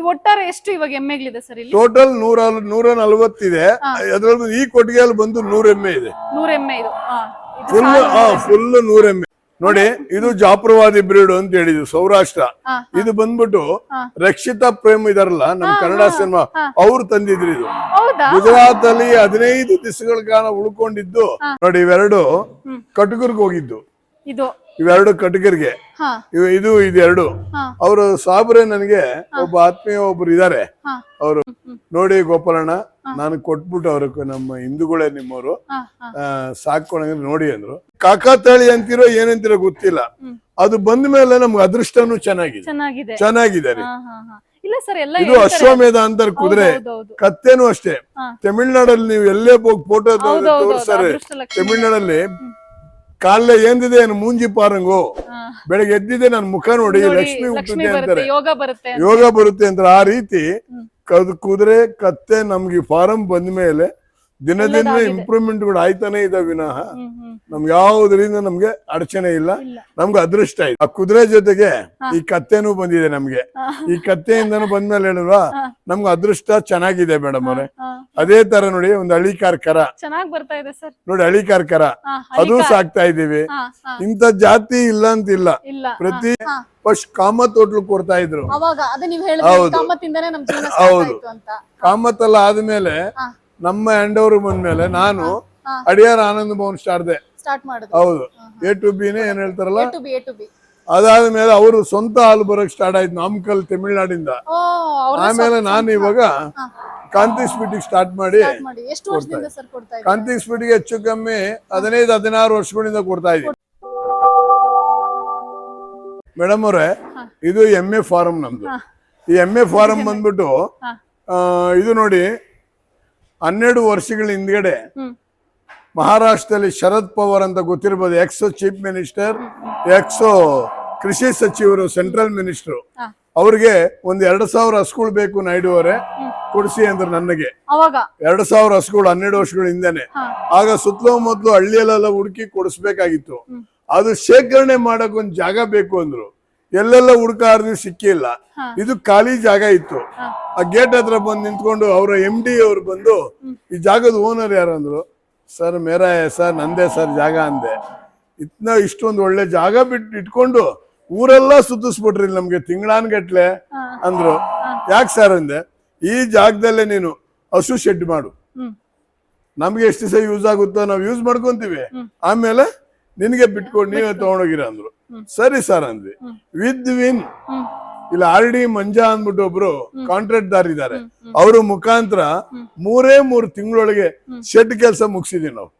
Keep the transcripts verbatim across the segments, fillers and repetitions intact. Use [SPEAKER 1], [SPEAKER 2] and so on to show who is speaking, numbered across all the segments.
[SPEAKER 1] ಒಟ್ಟಾರೆ ಎಷ್ಟು ಇವಾಗ ಎಮ್ಮೆಗಳಿದೆ ಸರ್ ಇಲ್ಲಿ?
[SPEAKER 2] ಟೋಟಲ್ ನೂರ ನೂರ ನಲ್ವತ್ತಿದೆ. ಅದ್ರಲ್ಲಿ ಈ ಕೊಟ್ಟಿಗೆಯಲ್ಲಿ ಬಂದು ನೂರ ಎಮ್ಮೆ ಇದೆ.
[SPEAKER 1] ನೂರ ಎಮ್ಮೆ ಇದು
[SPEAKER 2] ಫುಲ್ ಫುಲ್ ನೂರ ಎಮ್ಮೆ ನೋಡಿ. ಇದು ಜಾಪುರವಾದಿ ಬ್ರೀಡ್ ಅಂತ ಹೇಳಿದ್ರು ಸೌರಾಷ್ಟ್ರ. ಇದು ಬಂದ್ಬಿಟ್ಟು ರಕ್ಷಿತಾ ಪ್ರೇಮ್ ಇದಾರಲ್ಲ ನಮ್ ಕನ್ನಡ ಸಿನಿಮಾ ಅವ್ರು ತಂದಿದ್ರು. ಇದು ಗುಜರಾತ್ ಅಲ್ಲಿ ಹದಿನೈದು ದಿವಸಗಳ ಕಾಲ ಉಳ್ಕೊಂಡಿದ್ದು ನೋಡಿ. ಇವೆರಡು ಕಟುಗರ್ಗೆ ಹೋಗಿದ್ದು. ಇವೆರಡು ಕಟುಗರ್ಗೆ ಇದು ಇದೆರಡು. ಅವರು ಸಾಬ್ರೆ ನನಗೆ ಒಬ್ಬ ಆತ್ಮೀಯ ಒಬ್ರು ಇದಾರೆ. ಅವರು ನೋಡಿ ಗೋಪಾಲಣ್ಣ ನಾನು ಕೊಟ್ಬಿಟ್ಟು ಅವ್ರ ನಮ್ಮ ಹಿಂದೂಗಳೇ ನಿಮ್ಮವರು ಸಾಕೊಂಡ ನೋಡಿ ಅಂದ್ರು. ಕಾಕಾತಾಳಿ ಅಂತಿರೋ ಏನಂತಿರೋ ಗೊತ್ತಿಲ್ಲ. ಅದು ಬಂದ ಮೇಲೆ ನಮ್ಗೆ ಅದೃಷ್ಟನು ಚೆನ್ನಾಗಿದೆ ಚೆನ್ನಾಗಿದೆ ರೀ. ಇದು ಅಶ್ವಮೇಧ ಅಂತಾರೆ ಕುದುರೆ. ಕತ್ತೇನು ಅಷ್ಟೇ. ತಮಿಳ್ನಾಡಲ್ಲಿ ನೀವು ಎಲ್ಲೇ ಹೋಗಿ ಫೋಟೋ ತೋರಿಸ್ತಾರೆ. ತಮಿಳ್ನಾಡಲ್ಲಿ ಕಾಲ ಏನಿದೆ ಏನು ಮೂಂಜಿ ಪಾರಂಗು, ಬೆಳಗ್ಗೆ ಎದ್ದಿದೆ ನನ್ನ ಮುಖ ನೋಡಿ ಲಕ್ಷ್ಮಿ ಹುಟ್ಟುತ್ತೆ ಅಂತಾರೆ, ಯೋಗ ಬರುತ್ತೆ ಅಂತ. ಆ ರೀತಿ ಕುದುರೆ ಕತ್ತೆ ನಮ್ಗೆ ಫಾರಂ ಬಂದ ಮೇಲೆ ದಿನ ದಿನ ಇಂಪ್ರೂವ್ಮೆಂಟ್ ಗಳು ಆಯ್ತಾನೆ ಇದಾವೆ ವಿನಃ ನಮ್ಗೆ ಯಾವುದರಿಂದ ನಮ್ಗೆ ಅಡಚಣೆ ಇಲ್ಲ. ನಮ್ಗೆ ಅದೃಷ್ಟ ಇದೆ. ಆ ಕುದುರೆ ಜೊತೆಗೆ ಈ ಕತ್ತೆನೂ ಬಂದಿದೆ ನಮ್ಗೆ. ಈ ಕತ್ತೆಯಿಂದನೂ ಬಂದ್ಮೇಲೆ ಹೇಳಿಲ್ವಾ ನಮ್ಗೆ ಅದೃಷ್ಟ ಚೆನ್ನಾಗಿದೆ ಮೇಡಮ್ ಅವ್ರೆ. ಅದೇ ತರ ನೋಡಿ ಒಂದು ಹಳಿಕಾರ್ ಕರ ನೋಡಿ, ಹಳಿಕಾರ್ ಕರ ಅದು ಸಾಕ್ತಾ ಇದೀವಿ. ಇಂಥ ಜಾತಿ ಇಲ್ಲ ಅಂತಿಲ್ಲ. ಪ್ರತಿ ಫಸ್ಟ್ ಕಾಮತ್ ಹೋಟ್ಲು ಕೊಡ್ತಾ ಇದ್ರು. ಹೌದು ಹೌದು ಕಾಮತ್ ಎಲ್ಲ ಆದ್ಮೇಲೆ ನಮ್ಮ ಹ್ಯಾಂಡ್ ಓವರ್ ಬಂದ್ಮೇಲೆ ನಾನು ಅಡಿಯಾರ್ ಆನಂದ್ ಭವನ್ ಸ್ಟಾರ್ಟ್ ಹೌದು ಎ ಟು ಬಿನೇ ಏನ್ ಹೇಳ್ತಾರಲ್ಲ. ಅದಾದ್ಮೇಲೆ ಅವರು ಸ್ವಂತ ಹಾಲು ಬರೋಕ್ ಸ್ಟಾರ್ಟ್ ಆಯ್ತು ನಾಮಕಲ್ ತಮಿಳ್ನಾಡಿಂದ. ಆಮೇಲೆ ನಾನು ಇವಾಗ ಕಾಂತಿ ಸ್ಪೀಟಿಗೆ ಸ್ಟಾರ್ಟ್ ಮಾಡಿ ಕಾಂತಿ ಸ್ಪೀಟಿಗೆ ಹೆಚ್ಚು ಕಮ್ಮಿ ಹದಿನೈದು ಹದಿನಾರು ವರ್ಷಗಳಿಂದ ಕೊಡ್ತಾ ಇದ್ದೀನಿ ಮೇಡಮ್ ಅವ್ರೆ. ಇದು ಎಮ್ಮೆ ಫಾರಂ ನಮ್ದು. ಈ ಎಮ್ಮೆ ಫಾರಂ ಬಂದ್ಬಿಟ್ಟು ಇದು ನೋಡಿ ಹನ್ನೆರಡು ವರ್ಷಗಳ ಹಿಂದ್ಗಡೆ ಮಹಾರಾಷ್ಟ್ರದಲ್ಲಿ ಶರದ್ ಪವಾರ್ ಅಂತ ಗೊತ್ತಿರ್ಬೋದು, ಎಕ್ಸ್ ಚೀಫ್ ಮಿನಿಸ್ಟರ್, ಎಕ್ಸ್ ಕೃಷಿ ಸಚಿವರು, ಸೆಂಟ್ರಲ್ ಮಿನಿಸ್ಟರ್. ಅವ್ರಿಗೆ ಒಂದ್ ಎರಡ್ ಸಾವಿರ ಹಸುಗಳು ಬೇಕು ನಾಯ್ಡು ಅವರೇ ಕೊಡಿಸಿ ಅಂದ್ರೆ ನನಗೆ ಎರಡ್ ಸಾವಿರ ಹಸುಗಳು ಹನ್ನೆರಡು ವರ್ಷಗಳ ಹಿಂದೆನೆ. ಆಗ ಸುತ್ತಲೂ ಮೊದಲು ಹಳ್ಳಿಯಲ್ಲೆಲ್ಲ ಹುಡುಕಿ ಕೊಡಿಸ್ಬೇಕಾಗಿತ್ತು. ಅದು ಶೇಖರಣೆ ಮಾಡಕ್ ಒಂದ್ ಜಾಗ ಬೇಕು ಅಂದ್ರು. ಎಲ್ಲೆಲ್ಲ ಹುಡುಕಾರ್ದು ಸಿಕ್ಕಿಲ್ಲ. ಇದು ಖಾಲಿ ಜಾಗ ಇತ್ತು. ಆ ಗೇಟ್ ಹತ್ರ ಬಂದು ನಿಂತ್ಕೊಂಡು ಅವರ ಎಂ ಡಿ ಅವ್ರು ಬಂದು ಈ ಜಾಗದ ಓನರ್ ಯಾರು ಅಂದ್ರು. ಸರ್ ಮೇರಾ ಸರ್ ನಂದೇ ಸರ್ ಜಾಗ ಅಂದೆ. ಇತ್ನ ಇಷ್ಟೊಂದು ಒಳ್ಳೆ ಜಾಗ ಬಿಟ್ಟು ಇಟ್ಕೊಂಡು ಊರೆಲ್ಲ ಸುತ್ತಿಸ್ಬಿಟ್ರಿ ನಮ್ಗೆ ತಿಂಗಳಾನ್ಗಟ್ಲೆ ಅಂದ್ರು. ಯಾಕೆ ಸರ್ ಅಂದೆ, ಈ ಜಾಗದಲ್ಲೇ ನೀನು ಹಸು ಶೆಡ್ ಮಾಡು, ನಮ್ಗೆ ಎಷ್ಟು ದಿವಸ ಯೂಸ್ ಆಗುತ್ತೋ ನಾವು ಯೂಸ್ ಮಾಡ್ಕೊಂತೀವಿ, ಆಮೇಲೆ ನಿನ್ಗೆ ಬಿಟ್ಕೊಂಡು ನೀವೇ ತಗೊಂಡೋಗಿರ ಅಂದ್ರು. ಸರಿ ಸರ್ ಅಂದ್ವಿ. ವಿದ್ ವಿನ್ ಇಲ್ಲ ಆರ್ ಡಿ ಮಂಜಾ ಅಂದ್ಬಿಟ್ಟು ಒಬ್ರು ಕಾಂಟ್ರಾಕ್ಟ್ ದಾರ್ ಇದ್ದಾರೆ. ಅವ್ರ ಮುಖಾಂತರ ಮೂರೇ ಮೂರು ತಿಂಗಳೊಳಗೆ ಶೆಡ್ ಕೆಲಸ ಮುಗಿಸಿದೀವಿ ನಾವು.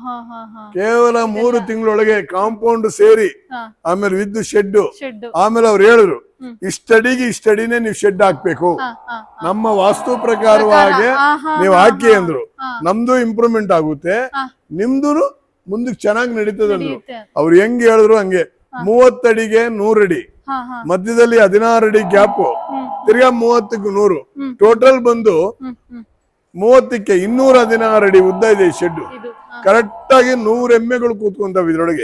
[SPEAKER 2] ಕೇವಲ ಮೂರು ತಿಂಗಳೊಳಗೆ ಕಾಂಪೌಂಡ್ ಸೇರಿ ಆಮೇಲೆ ವಿದ್ ಶೆಡ್. ಆಮೇಲೆ ಅವ್ರು ಹೇಳಿದ್ರು ಇಷ್ಟಡಿಗೆ ಇಷ್ಟಡಿನೇ ನೀವು ಶೆಡ್ ಹಾಕ್ಬೇಕು, ನಮ್ಮ ವಾಸ್ತು ಪ್ರಕಾರವಾಗಿ ನೀವು ಹಾಕಿ ಅಂದ್ರು. ನಮ್ದು ಇಂಪ್ರೂವ್ಮೆಂಟ್ ಆಗುತ್ತೆ, ನಿಮ್ದು ಮುಂದಕ್ಕೆ ಚೆನ್ನಾಗಿ ನಡೀತದಂದ್ರು. ಅವ್ರು ಹೆಂಗ್ ಹೇಳಿದ್ರು ಹಂಗೆ. ಮೂವತ್ತಡಿಗೆ ನೂರಡಿ, ಮಧ್ಯದಲ್ಲಿ ಹದಿನಾರು ಅಡಿ ಗ್ಯಾಪ್, ತಿರ್ಗಾ ಮೂವತ್ತಕ್ಕೆ ನೂರು, ಟೋಟಲ್ ಬಂದು ಮೂವತ್ತಕ್ಕೆ ಇನ್ನೂರ ಹದಿನಾರು ಅಡಿ ಉದ್ದ ಇದೆ ಈ ಶೆಡ್. ಕರೆಕ್ಟ್ ಆಗಿ ನೂರ್ ಎಮ್ಮೆಗಳು ಕೂತ್ಕೊಂತಾವ ಇದ್ರೊಳಗೆ.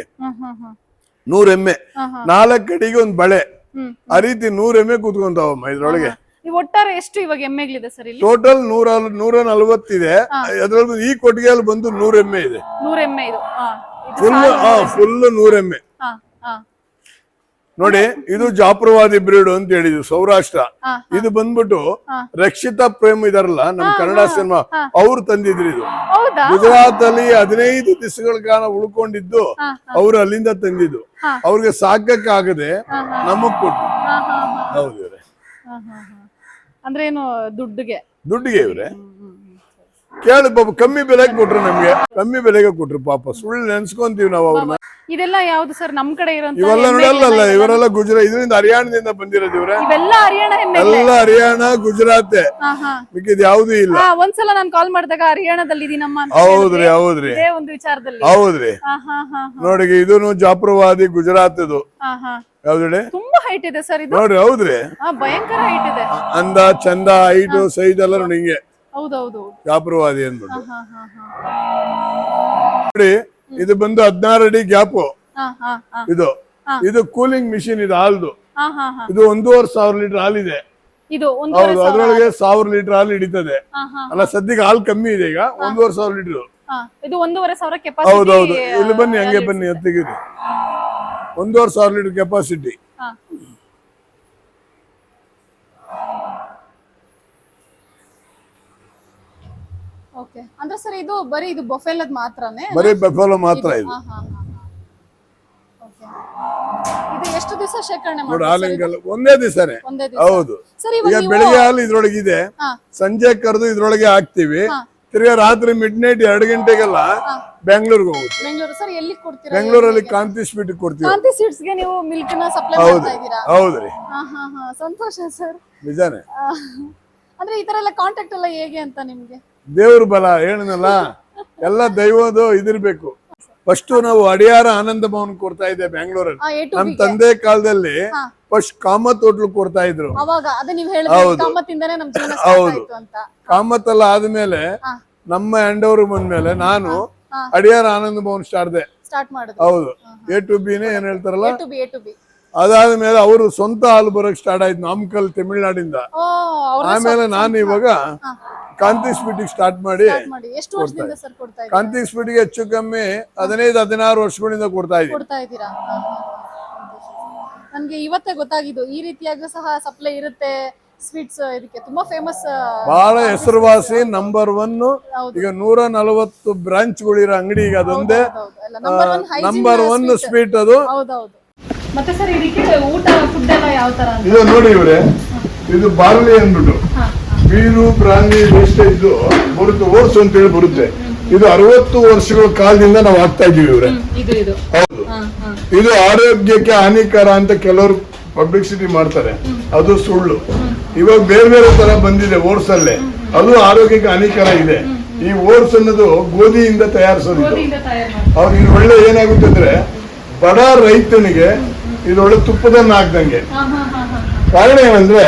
[SPEAKER 2] ನೂರ್ ಎಮ್ಮೆ, ನಾಲ್ಕು ಅಡಿಗೆ ಒಂದ್ ಬಳೆ, ಆ ರೀತಿ ನೂರ್ ಎಮ್ಮೆ ಕೂತ್ಕೊಂತಾವಮ್ಮ ಇದ್ರೊಳಗೆ.
[SPEAKER 1] ಒಟ್ಟಾರೆ ಎಷ್ಟು ಇವಾಗ ಎಮ್ಮೆಗಳಿದೆ ಸರ್ ಇಲ್ಲಿ?
[SPEAKER 2] ಟೋಟಲ್ ನೂರ ನೂರ ನಲ್ವತ್ತಿದೆ. ಅದ್ರಲ್ಲಿ ಈ ಕೊಟ್ಟಿಗೆಯಲ್ಲಿ ಬಂದು ನೂರ ಎಮ್ಮೆ ಇದೆ.
[SPEAKER 1] ನೂರ ಎಮ್ಮೆ ಇದು
[SPEAKER 2] ಫುಲ್ ಫುಲ್ ನೂರ ಎಮ್ಮೆ ನೋಡಿ. ಇದು ಜಾಪುರವಾದಿ ಬ್ರೀಡ್ ಅಂತ ಹೇಳಿದ್ರು ಸೌರಾಷ್ಟ್ರ. ಇದು ಬಂದ್ಬಿಟ್ಟು ರಕ್ಷಿತಾ ಪ್ರೇಮ್ ಇದಾರಲ್ಲ ನಮ್ ಕನ್ನಡ ಸಿನಿಮಾ ಅವ್ರು ತಂದಿದ್ರು. ಇದು ಗುಜರಾತ್ ಅಲ್ಲಿ ಹದಿನೈದು ದಿವಸಗಳ ಕಾಲ ಉಳ್ಕೊಂಡಿದ್ದು ಅವ್ರು ಅಲ್ಲಿಂದ ತಂದಿದ್ದು. ಅವ್ರಿಗೆ ಸಾಕಕ್ಕೆ ಆಗದೆ ನಮಗ್ ಕೊಟ್ರು. ಹೌದು ಇವ್ರೆ.
[SPEAKER 1] ಅಂದ್ರೆ ಏನು ದುಡ್ಡಿಗೆ
[SPEAKER 2] ದುಡ್ಡಿಗೆ ಇವ್ರೆ ಕೇಳಿ ಪಾಪ ಕಮ್ಮಿ ಬೆಲೆಗೆ ಕೊಟ್ರು, ನಮ್ಗೆ ಕಮ್ಮಿ ಬೆಲೆಗೆ ಕೊಟ್ರು. ಪಾಪ ಸುಳ್ಳು ನೆನ್ಸ್ಕೊಂತೀವಿ ನಾವು ಅವ್ರನ್ನ.
[SPEAKER 1] ಇದೆಲ್ಲ ಯಾವ್ದು ಸರ್ ನಮ್ ಕಡೆ ಇರೋಂತ?
[SPEAKER 2] ಇವೆಲ್ಲ ನೋಡಲ್ಲ, ಇವರೆಲ್ಲ ಗುಜರಾತ್, ಇದರಿಂದ ಹರಿಯಾಣದಿಂದ ಬಂದಿರೋದು ಇವ್ರೆ.
[SPEAKER 1] ಇವೆಲ್ಲ ಹರಿಯಾಣ ಎಮ್ಮೆ,
[SPEAKER 2] ಎಲ್ಲ ಹರಿಯಾಣ ಗುಜರಾತ್, ಮಿಕ್ಕಿದ್ ಯಾವ್ದು ಇಲ್ಲ.
[SPEAKER 1] ಒಂದ್ಸಲ ನಾನು ಕಾಲ್ ಮಾಡಿದಾಗ ಹರಿಯಾಣದಲ್ಲಿ ಇದೀನಮ್ಮ ಅಂತ.
[SPEAKER 2] ಹೌದ್ರಿ ಹೌದ್ರಿ
[SPEAKER 1] ಒಂದು ವಿಚಾರದಲ್ಲಿ
[SPEAKER 2] ಹೌದ್ರಿ. ನೋಡಿ ಇದೂನು ಜಾಪುರವಾದಿ ಗುಜರಾತ್ ಇದು. ಯಾವ್ದು
[SPEAKER 1] ತುಂಬಾ ಹೈಟ್ ಇದೆ ಸರ್ ಇದು.
[SPEAKER 2] ನೋಡ್ರಿ ಹೌದ್ರಿ,
[SPEAKER 1] ಭಯಂಕರ ಹೈಟ್ ಇದೆ.
[SPEAKER 2] ಅಂದ ಚಂದ ಹೈಟ್ ಸೈಜ್ ಎಲ್ಲ ನೋಡಿ ಹಿಂಗೆ
[SPEAKER 1] ಹೌದೌದು
[SPEAKER 2] ಜಾಪುರವಾದಿ ಅಂದ್ಬಿಟ್ಟು ನೋಡಿ. ಇದು ಬಂದು ಹದಿನಾರು ಅಡಿ ಗ್ಯಾಪ್. ಇದು ಇದು ಕೂಲಿಂಗ್ ಮಿಷಿನ್ ಇದು ಹಾಲ್ದು. ಇದು ಒಂದೂವರೆ ಸಾವಿರ ಲೀಟರ್ ಹಾಲಿದೆ.
[SPEAKER 1] ಇದು ಒಂದೂವರೆ
[SPEAKER 2] ಹೌದು,
[SPEAKER 1] ಸಾವಿರ
[SPEAKER 2] ಅದ್ರೊಳಗೆ ಸಾವಿರ ಲೀಟರ್ ಹಾಲು ಹಿಡಿತದೆ.
[SPEAKER 1] ಹಾ, ಹಾ,
[SPEAKER 2] ಅಲ್ಲ ಸದ್ಯಕ್ಕೆ ಹಾಲು ಕಮ್ಮಿ ಇದೆ ಈಗ, ಒಂದೂವರೆ ಸಾವಿರ ಲೀಟರ್.
[SPEAKER 1] ಹಾ. ಇದು ಒಂದೂವರೆ ಸಾವಿರ ಕೆಪಾಸಿಟಿ.
[SPEAKER 2] ಹೌದೌದು, ಇಲ್ಲಿ ಬನ್ನಿ, ಹಂಗೆ ಬನ್ನಿ, ಎತ್ತಿಗಿರಿ. ಒಂದೂವರೆ ಸಾವಿರ ಲೀಟರ್ ಕೆಪಾಸಿಟಿ.
[SPEAKER 1] ಓಕೆ, ಅಂದ್ರೆ ಸರ್ ಇದು ಬರೀ ಇದು ಬೊಫೆಲದ್ ಮಾತ್ರನೇ?
[SPEAKER 2] ಬರೀ ಬಫೆಲೋ ಮಾತ್ರ ಇದು.
[SPEAKER 1] ಹಾ, ಹಾ, ಹಾ. ಓಕೆ, ಇದು ಎಷ್ಟು ದಿವಸ ಶೇಖರಣೆ
[SPEAKER 2] ನೋಡಿ,
[SPEAKER 1] ಮಾಡ್ತೀರಾ?
[SPEAKER 2] ಹಾಲಿಂಗಲ್ಲ ಒಂದೇ ದಿವಸನೇ.
[SPEAKER 1] ಒಂದೇ ದಿವಸ.
[SPEAKER 2] ಹೌದು,
[SPEAKER 1] ಸರ್
[SPEAKER 2] ಈಗ
[SPEAKER 1] ಇವಾಗ ನೀವು
[SPEAKER 2] ಬೆಳಿಗ್ಗೆ ಹಾಲು ಇದ್ರೊಳಗಿದೆ,
[SPEAKER 1] ಹಾ,
[SPEAKER 2] ಸಂಜೆ ಕರೆದು ಇದ್ರೊಳಗೆ ಹಾಕ್ತಿವಿ.
[SPEAKER 1] ಹಾ.
[SPEAKER 2] ತಿರ್ಗಾ ರಾತ್ರಿ ಮಿಡ್ ನೈಟ್ ಎರಡು ಗಂಟೆಗೆಲ್ಲ ಬೆಂಗಳೂರಿಗೆ ಹೋಗುತ್ತೆ.
[SPEAKER 1] ಬೆಂಗಳೂರು. ಸರ್ ಎಲ್ಲಿ ಕೊಡ್ತೀರಾ?
[SPEAKER 2] ಬೆಂಗಳೂರಲ್ಲಿ ಕಾಂತಿ ಸ್ವೀಟ್ ಕೊಡ್ತೀವಿ.
[SPEAKER 1] ಕಾಂತಿ ಸೀಡ್ಸ್ ಗೆ ನೀವು ಮಿಲ್ಕ್ ನ ಸಪ್ಲೈ
[SPEAKER 2] ಹೌದು
[SPEAKER 1] ಮಾಡ್ತಾ ಇದ್ದೀರಾ?
[SPEAKER 2] ಹೌದ್ರಿ,
[SPEAKER 1] ಹಾ, ಹಾ, ಹಾ. ಸಂತೋಷ ಸರ್.
[SPEAKER 2] ನಿಜಾನೇ.
[SPEAKER 1] ಅಂದ್ರೆ ಈ ತರ ಎಲ್ಲ ಕಾಂಟ್ಯಾಕ್ಟ್ ಎಲ್ಲ ಹೇಗೆ ಅಂತ ನಿಮ್ಗೆ?
[SPEAKER 2] ದೇವ್ರ ಬಲ ಹೇಳಿದ್ನಲ್ಲ, ಎಲ್ಲ ದೈವದು ಇದಿರ್ಬೇಕು. ಫಸ್ಟ್ ನಾವು ಅಡಿಯಾರ ಆನಂದ ಭವನ್ ಕೊಡ್ತಾ ಇದ್ದೆ ಬೆಂಗಳೂರಲ್ಲಿ.
[SPEAKER 1] ಆ, A to
[SPEAKER 2] ನಮ್
[SPEAKER 1] B ಗೆ.
[SPEAKER 2] ತಂದೆ ಕಾಲದಲ್ಲಿ
[SPEAKER 1] ಹಾ.
[SPEAKER 2] ಫಸ್ಟ್ ಕಾಮತ್ ಹೋಟ್ಲು ಕೊಡ್ತಾ ಇದ್ರು.
[SPEAKER 1] ಅವಾಗ ಅದೇ ನೀವು ಹೇಳಿದ್ರಿ
[SPEAKER 2] ಹೌದು.
[SPEAKER 1] ಕಾಮತ್ತಿಂದಾನೇ ನಮ್ ಜೀವನ ಸ್ಟಾರ್ಟ್
[SPEAKER 2] ಹೌದು.
[SPEAKER 1] ಆಯ್ತು ಅಂತ.
[SPEAKER 2] ಕಾಮತ್ ಎಲ್ಲ ಆದ್ಮೇಲೆ
[SPEAKER 1] ಹಾ.
[SPEAKER 2] ನಮ್ಮ ಹ್ಯಾಂಡ್ ಬಂದ್ಮೇಲೆ ನಾನು
[SPEAKER 1] ಹಾ.
[SPEAKER 2] ಅಡಿಯಾರ ಆನಂದ ಭವನ್ ಸ್ಟಾರ್ಟ್.
[SPEAKER 1] ಸ್ಟಾರ್ಟ್ ಮಾಡಿದ್ರು.
[SPEAKER 2] ಹೌದು, ಎ ಟು ಬಿನೇ ಏನ್ ಹೇಳ್ತಾರಲ್ಲ,
[SPEAKER 1] A to B, A to B.
[SPEAKER 2] ಅದಾದ್ಮೇಲೆ ಅವರು ಸ್ವಂತ ಹಾಲು ಬರೋಕ್ ಸ್ಟಾರ್ಟ್ ಆಯ್ತು ನಾಮಕಲ್ ತಮಿಳ್ನಾಡಿಂದ.
[SPEAKER 1] ಓ, ಅವ್ರೇ
[SPEAKER 2] ಆಮೇಲೆ ನಾನು ಇವಾಗ
[SPEAKER 1] ಹಾ.
[SPEAKER 2] ಕಾಂತಿ ಸ್ವೀಟಿಗೆ ಸ್ಟಾರ್ಟ್ ಮಾಡಿ,
[SPEAKER 1] ಸ್ಟಾರ್ಟ್ ಮಾಡಿ ಎಷ್ಟು ವರ್ಷದಿಂದ ಸರ್ ಕೊಡ್ತಾ ಇದ್ದೀರಾ?
[SPEAKER 2] ಕಾಂತಿ ಸ್ವೀಟಿಗೆ ಹೆಚ್ಚು ಕಮ್ಮಿ ಹದಿನೈದು ಹದಿನಾರು ವರ್ಷಗಳಿಂದ ಕೊಡ್ತಾ ಇದ್ದೀನಿ.
[SPEAKER 1] ಕೊಡ್ತಾ ಇದ್ದೀರಾ? ಹಾ, ಹಾ, ಹಾ. ನನ್ಗೆ ಇವತ್ತೇ ಗೊತ್ತಾಗಿದ್ದು ಈ ರೀತಿಯಾಗಿ ಸಹ ಸಪ್ಲೈ ಇರುತ್ತೆ ಸ್ವೀಟ್ಸ್. ಇದಕ್ಕೆ ತುಂಬಾ ಫೇಮಸ್,
[SPEAKER 2] ಬಹಳ ಹೆಸರುವಾಸಿ, ನಂಬರ್ ಒನ್.
[SPEAKER 1] ಹೌದು.
[SPEAKER 2] ಈಗ ನೂರ ನಲವತ್ತು ಬ್ರಾಂಚ್ಗಳಿರೋ ಅಂಗಡಿ ಈಗ ಅದೊಂದೇ
[SPEAKER 1] number one hygiene
[SPEAKER 2] number one sweet ಅದು.
[SPEAKER 1] ಹೌದೌದು. ಮತ್ತೆ ಸರ್ ಇದಕ್ಕೆ ಊಟ ಫುಡ್ ಎಲ್ಲ ಯಾವ ತರ ಅಂತ?
[SPEAKER 2] ಇದು ನೋಡಿ ಇವ್ರೆ, ಇದು ಬಾರ್ಲಿ ಅಂದ್ಬಿಟ್ಟು ಬೀರು ಬ್ರಾಂಡಿ ವೇಸ್ಟೇಜ್ ಬರುತ್ತೆ, ಓಟ್ಸ್ ಅಂತ ಹೇಳಿ ಬರುತ್ತೆ. ಇದು ಅರವತ್ತು ವರ್ಷಗಳ ಕಾಲದಿಂದ ನಾವು ಹಾಕ್ತಾ ಇದೀವಿ ಇವ್ರೆ.
[SPEAKER 1] ಇದು ಇದು
[SPEAKER 2] ಹೌದು,
[SPEAKER 1] ಹಾ, ಹಾ.
[SPEAKER 2] ಇದು ಆರೋಗ್ಯಕ್ಕೆ ಹಾನಿಕರ ಅಂತ ಕೆಲವರು ಪಬ್ಲಿಸಿಟಿ ಮಾಡ್ತಾರೆ, ಅದು ಸುಳ್ಳು. ಇವಾಗ ಬೇರೆ ಬೇರೆ ತರ ಬಂದಿದೆ ಓಟ್ಸ್ ಅಲ್ಲೇ, ಅದು ಆರೋಗ್ಯಕ್ಕೆ ಹಾನಿಕರ ಇದೆ. ಈ ಓಟ್ಸ್ ಅನ್ನೋದು ಗೋಧಿಯಿಂದ ತಯಾರಿಸೋದು.
[SPEAKER 1] ಗೋಧಿಯಿಂದ ತಯಾರು ಮಾಡಿ.
[SPEAKER 2] ಅವ್ರು ಇದು ಒಳ್ಳೆ ಏನಾಗುತ್ತೆ ಅಂದ್ರೆ ಬಡ ರೈತನಿಗೆ ಇದು ಒಳ್ಳೆ ತುಪ್ಪದನ್ನ ಹಾಕ್ದಂಗೆ.
[SPEAKER 1] ಹಾ, ಹಾ, ಹಾ, ಹಾ.
[SPEAKER 2] ಕಾರಣ ಏನಂದ್ರೆ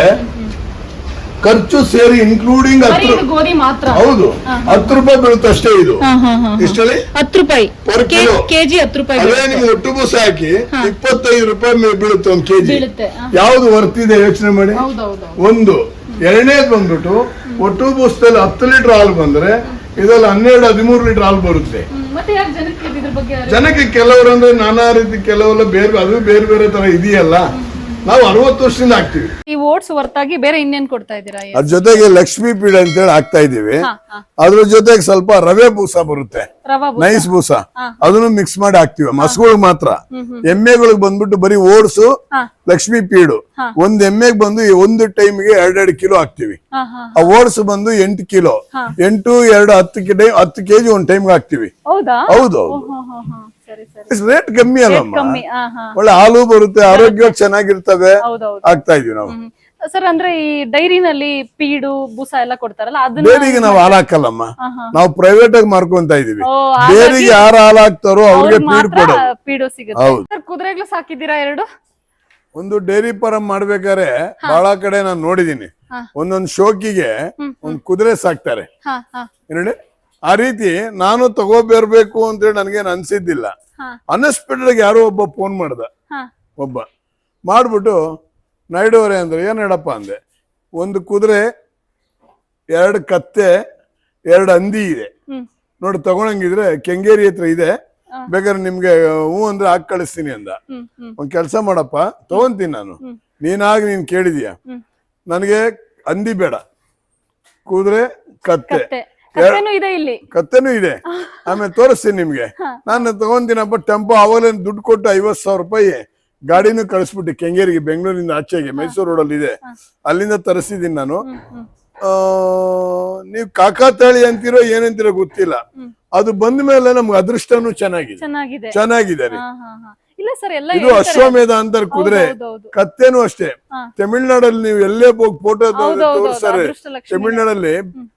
[SPEAKER 2] ಖರ್ಚು ಸೇರಿ ಇನ್ಕ್ಲೂಡಿಂಗ್
[SPEAKER 1] ಬರೀ
[SPEAKER 2] ಹತ್ತು
[SPEAKER 1] ಇದು ಗೋಧಿ ಮಾತ್ರ?
[SPEAKER 2] ಹೌದು, ಹತ್ತು ರೂಪಾಯಿ ಬೀಳುತ್ತೆ ಅಷ್ಟೇ ಇದು.
[SPEAKER 1] ಹಾ, ಹಾ, ಹಾ.
[SPEAKER 2] ಇಷ್ಟಲ್ಲಿ
[SPEAKER 1] ಹತ್ತು ರೂಪಾಯಿ
[SPEAKER 2] per kilo.
[SPEAKER 1] ಕೆಜಿ ಹತ್ತು ರೂಪಾಯಿ
[SPEAKER 2] ಅದೇ ನಿಮ್ಗೆ ಒಟ್ಟು ಬೂಸ ಹಾಕಿ ಇಪ್ಪತ್ತೈದು ರೂಪಾಯಿ ಮೇಲೆ ಬೀಳುತ್ತೆ ಒಂದು ಕೆಜಿ.
[SPEAKER 1] ಬೀಳುತ್ತೆ. ಹಾ.
[SPEAKER 2] ಯಾವ್ದು ವರ್ತಿದೆ ಯೋಚನೆ ಮಾಡಿ.
[SPEAKER 1] ಹೌದೌದು.
[SPEAKER 2] ಒಂದು ಎರಡನೇದು ಬಂದ್ಬಿಟ್ಟು ಒಟ್ಟು ಬೂಸದಲ್ಲಿ ಹತ್ತು ಲೀಟರ್ ಹಾಲು ಬಂದ್ರೆ ಇದ್ರಲ್ಲಿ ಹನ್ನೆರಡು ಹದಿಮೂರು ಲೀಟರ್ ಹಾಲು ಬರುತ್ತೆ.
[SPEAKER 1] ಮತ್ತೆ ಯಾಕೆ ಜನಕ್ಕೆ ಇದ್ರ ಬಗ್ಗೆ ಅರಿವು?
[SPEAKER 2] ಜನಕ್ಕೆ ಕೆಲವರು ಅಂದ್ರೆ ನಾನಾ ರೀತಿ, ಕೆಲವೆಲ್ಲ ಬೇರೆ, ಅದು ಬೇರೆ ಬೇರೆ ತರ ಇದೆಯಲ್ಲ. ನಾವು ಅರವತ್ತು ವರ್ಷದಿಂದ ಹಾಕ್ತಿವಿ.
[SPEAKER 1] ಈ ಓಟ್ಸ್ ಹೊರತಾಗಿ ಬೇರೆ ಇನ್ನೇನ್ ಕೊಡ್ತಾ ಇದ್ದೀರಾ?
[SPEAKER 2] ಅದ್ರ ಜೊತೆಗೆ ಲಕ್ಷ್ಮೀ ಪೀಡ್ ಅಂತ ಹೇಳಿ ಹಾಕ್ತಾ ಇದೀವಿ.
[SPEAKER 1] ಹಾ, ಹಾ.
[SPEAKER 2] ಅದ್ರ ಜೊತೆಗೆ ಸ್ವಲ್ಪ ರವೆ ಬೂಸ ಬರುತ್ತೆ,
[SPEAKER 1] ರವಾ ಬೂಸ.
[SPEAKER 2] ನೈಸ್ ಬೂಸ,
[SPEAKER 1] ಹಾ.
[SPEAKER 2] ಅದನ್ನು ಮಿಕ್ಸ್ ಮಾಡಿ ಹಾಕ್ತಿವಿ. ಹಸುಗಳಿಗೆ ಮಾತ್ರ. ಎಮ್ಮೆಗಳಿಗೆ ಬಂದ್ಬಿಟ್ಟು ಬರೀ ಓಟ್ಸು,
[SPEAKER 1] ಹಾ.
[SPEAKER 2] ಲಕ್ಷ್ಮೀ ಪೀಡು.
[SPEAKER 1] ಹಾ.
[SPEAKER 2] ಒಂದ್ ಎಮ್ಮೆಗೆ ಬಂದು ಒಂದು ಟೈಮ್ಗೆ ಎರಡೆರಡು ಕಿಲೋ ಹಾಕ್ತಿವಿ.
[SPEAKER 1] ಹಾ, ಹಾ.
[SPEAKER 2] ಆ ಓಟ್ಸ್ ಬಂದು ಎಂಟು ಕಿಲೋ,
[SPEAKER 1] ಹಾ.
[SPEAKER 2] ಎಂಟು ಎರಡು ಹತ್ತು ಕೆ ಹತ್ತು ಕೆಜಿ ಒಂದ್ ಟೈಮ್ಗೆ ಹಾಕ್ತಿವಿ.
[SPEAKER 1] ಹೌದಾ?
[SPEAKER 2] ಹೌದು,
[SPEAKER 1] ಹಾ, ಹಾ, ಹಾ. ಸರಿ ಸರಿ.
[SPEAKER 2] ರೇಟ್ ಕಮ್ಮಿ ಅಲ್ಲಮ್ಮ,
[SPEAKER 1] ಕಮ್ಮಿ. ಹಾ, ಹಾ.
[SPEAKER 2] ಒಳ್ಳೆ ಹಾಲು ಬರುತ್ತೆ, ಆರೋಗ್ಯ ಚೆನ್ನಾಗಿರ್ತವೆ,
[SPEAKER 1] ಹೌದೌದು.
[SPEAKER 2] ಆಗ್ತಾ ಇದೀವಿ ನಾವು.
[SPEAKER 1] ಸರ್ ಅಂದ್ರೆ ಈ ಡೈರಿನಲ್ಲಿ ಪೀಡು ಬೂಸ ಎಲ್ಲ ಕೊಡ್ತಾರಲ್ಲ ಅದನ್ನ
[SPEAKER 2] ಡೈರಿಗೆ ನಾವು ಹಾಲು ಹಾಕಲ್ಲಮ್ಮ,
[SPEAKER 1] ಹಾ, ಹಾ.
[SPEAKER 2] ನಾವು ಪ್ರೈವೇಟ್ ಆಗಿ ಮಾರ್ಕೊಂತ ಇದೀವಿ.
[SPEAKER 1] ಓ, ಹಾಗಾಗಿ
[SPEAKER 2] ಡೈರಿಗೆ ಯಾರು ಹಾಲು ಹಾಕ್ತಾರೋ ಅವ್ರಿಗೆ
[SPEAKER 1] ಅವ್ರಿಗೆ
[SPEAKER 2] ಪೀಡ್
[SPEAKER 1] ಮಾತ್ರ
[SPEAKER 2] ಕೊಡೋದು.
[SPEAKER 1] ಪೀಡು ಸಿಗುತ್ತೆ.
[SPEAKER 2] ಹೌದು.
[SPEAKER 1] ಸರ್ ಕುದುರೆಗಳು ಸಾಕಿದ್ದೀರಾ ಎರಡು?
[SPEAKER 2] ಒಂದು ಡೈರಿ ಫಾರಂ ಮಾಡ್ಬೇಕಾದ್ರೆ ಬಹಳ ಕಡೆ ನಾನು ನೋಡಿದೀನಿ,
[SPEAKER 1] ಹಾ.
[SPEAKER 2] ಒಂದೊಂದು ಶೋಕಿಗೆ ಒಂದ್ ಕುದುರೆ ಸಾಕ್ತಾರೆ.
[SPEAKER 1] ಹಾ, ಹಾ,
[SPEAKER 2] ಏನೇಳಿ ಆ ರೀತಿ ನಾನು ತಗೋಬೇರ್ಬೇಕು ಅಂತೇಳಿ ನನ್ಗೇನು ಅನ್ಸಿದ್ದಿಲ್ಲ.
[SPEAKER 1] ಹಾ,
[SPEAKER 2] ಅನ್ಎಕ್ಸ್ಪೆಕ್ಟೆಡ್ ಯಾರೋ ಒಬ್ಬ ಫೋನ್ ಮಾಡ್ದ,
[SPEAKER 1] ಹಾ.
[SPEAKER 2] ಒಬ್ಬ ಮಾಡ್ಬಿಟ್ಟು ನಾಯ್ಡು ಅವರೇ ಅಂದ್ರೆ ಏನ್ ಹೇಳಪ್ಪ ಅಂದೆ. ಒಂದು ಕುದುರೆ, ಎರಡು ಕತ್ತೆ, ಎರಡು ಹಂದಿ ಇದೆ
[SPEAKER 1] ಹ್ಮ್.
[SPEAKER 2] ನೋಡಿ, ತಗೊಳಂಗಿದ್ರೆ ಕೆಂಗೇರಿ ಹತ್ರ ಇದೆ,
[SPEAKER 1] ಹಾ.
[SPEAKER 2] ಬೇಕಾದ್ರೆ ನಿಮ್ಗೆ ಹ್ಞೂ ಅಂದ್ರೆ ಹಾಕಿ ಕಳಿಸ್ತೀನಿ ಅಂದ.
[SPEAKER 1] ಹ್ಮ್, ಹ್ಮ್,
[SPEAKER 2] ಒಂದ್ ಕೆಲ್ಸ ಮಾಡಪ್ಪ, ತಗೊಂತೀನಿ ನಾನು.
[SPEAKER 1] ಹ್ಮ್.
[SPEAKER 2] ನೀನಾಗಿ ನೀನ್ ಕೇಳಿದೀಯ,
[SPEAKER 1] ಹ್ಮ್.
[SPEAKER 2] ನನಗೆ ಹಂದಿ ಬೇಡ, ಕುದುರೆ, ಕತ್ತೆ,
[SPEAKER 1] ಕತ್ತೆ ಕತ್ತೆನೂ ಇದೆ ಇಲ್ಲಿ.
[SPEAKER 2] ಕತ್ತೆನೂ ಇದೆ, ಆಮೇಲೆ ತೋರಿಸ್ತೀನಿ ನಿಮ್ಗೆ. ನಾನು ತಗೊಂತೀನಪ್ಪ. ಟೆಂಪೋ ಅವಾಗಲೇ ದುಡ್ಡು ಕೊಟ್ಟು ಐವತ್ ಸಾವಿರ ರೂಪಾಯಿ ಗಾಡಿನೂ ಕಳಿಸ್ಬಿಟ್ಟು ಕೆಂಗೇರಿಗೆ, ಬೆಂಗಳೂರಿಂದ ಆಚೆಗೆ ಮೈಸೂರು ರೋಡಲ್ಲಿ ಇದೆ, ಅಲ್ಲಿಂದ ತರಿಸಿದೀನಿ ನಾನು.
[SPEAKER 1] ಹ್ಮ್, ಹ್ಮ್.
[SPEAKER 2] ಆ ನೀವ್ ಕಾಕಾತಾಳಿ ಅಂತೀರೋ ಏನಂತೀರೋ ಗೊತ್ತಿಲ್ಲ, ಅದು ಬಂದ ಮೇಲೆ ನಮ್ಗೆ ಅದೃಷ್ಟನೂ ಚೆನ್ನಾಗಿದೆ,
[SPEAKER 1] ಚೆನ್ನಾಗಿದೆ.
[SPEAKER 2] ಚೆನ್ನಾಗಿದೆ ರೀ.
[SPEAKER 1] ಹಾ, ಹಾ, ಹಾ. ಇಲ್ಲ ಸರ್ ಎಲ್ಲ
[SPEAKER 2] ಇದು ಅಶ್ವಮೇಧ ಅಂತಾರೆ ಕುದುರೆ.
[SPEAKER 1] ಹೌದೌದು.
[SPEAKER 2] ಕತ್ತೇನು ಅಷ್ಟೇ.
[SPEAKER 1] ಹಾ.
[SPEAKER 2] ತಮಿಳ್ನಾಡಲ್ಲಿ ನೀವು ಎಲ್ಲೇ ಹೋಗಿ ಫೋಟೋ
[SPEAKER 1] ಹೌದೌದು,
[SPEAKER 2] ತೋರಿಸ್ತಾರೆ,
[SPEAKER 1] ಅದೃಷ್ಟ ಲಕ್ಷ್ಮಿ.
[SPEAKER 2] ತಮಿಳ್ನಾಡಲ್ಲಿ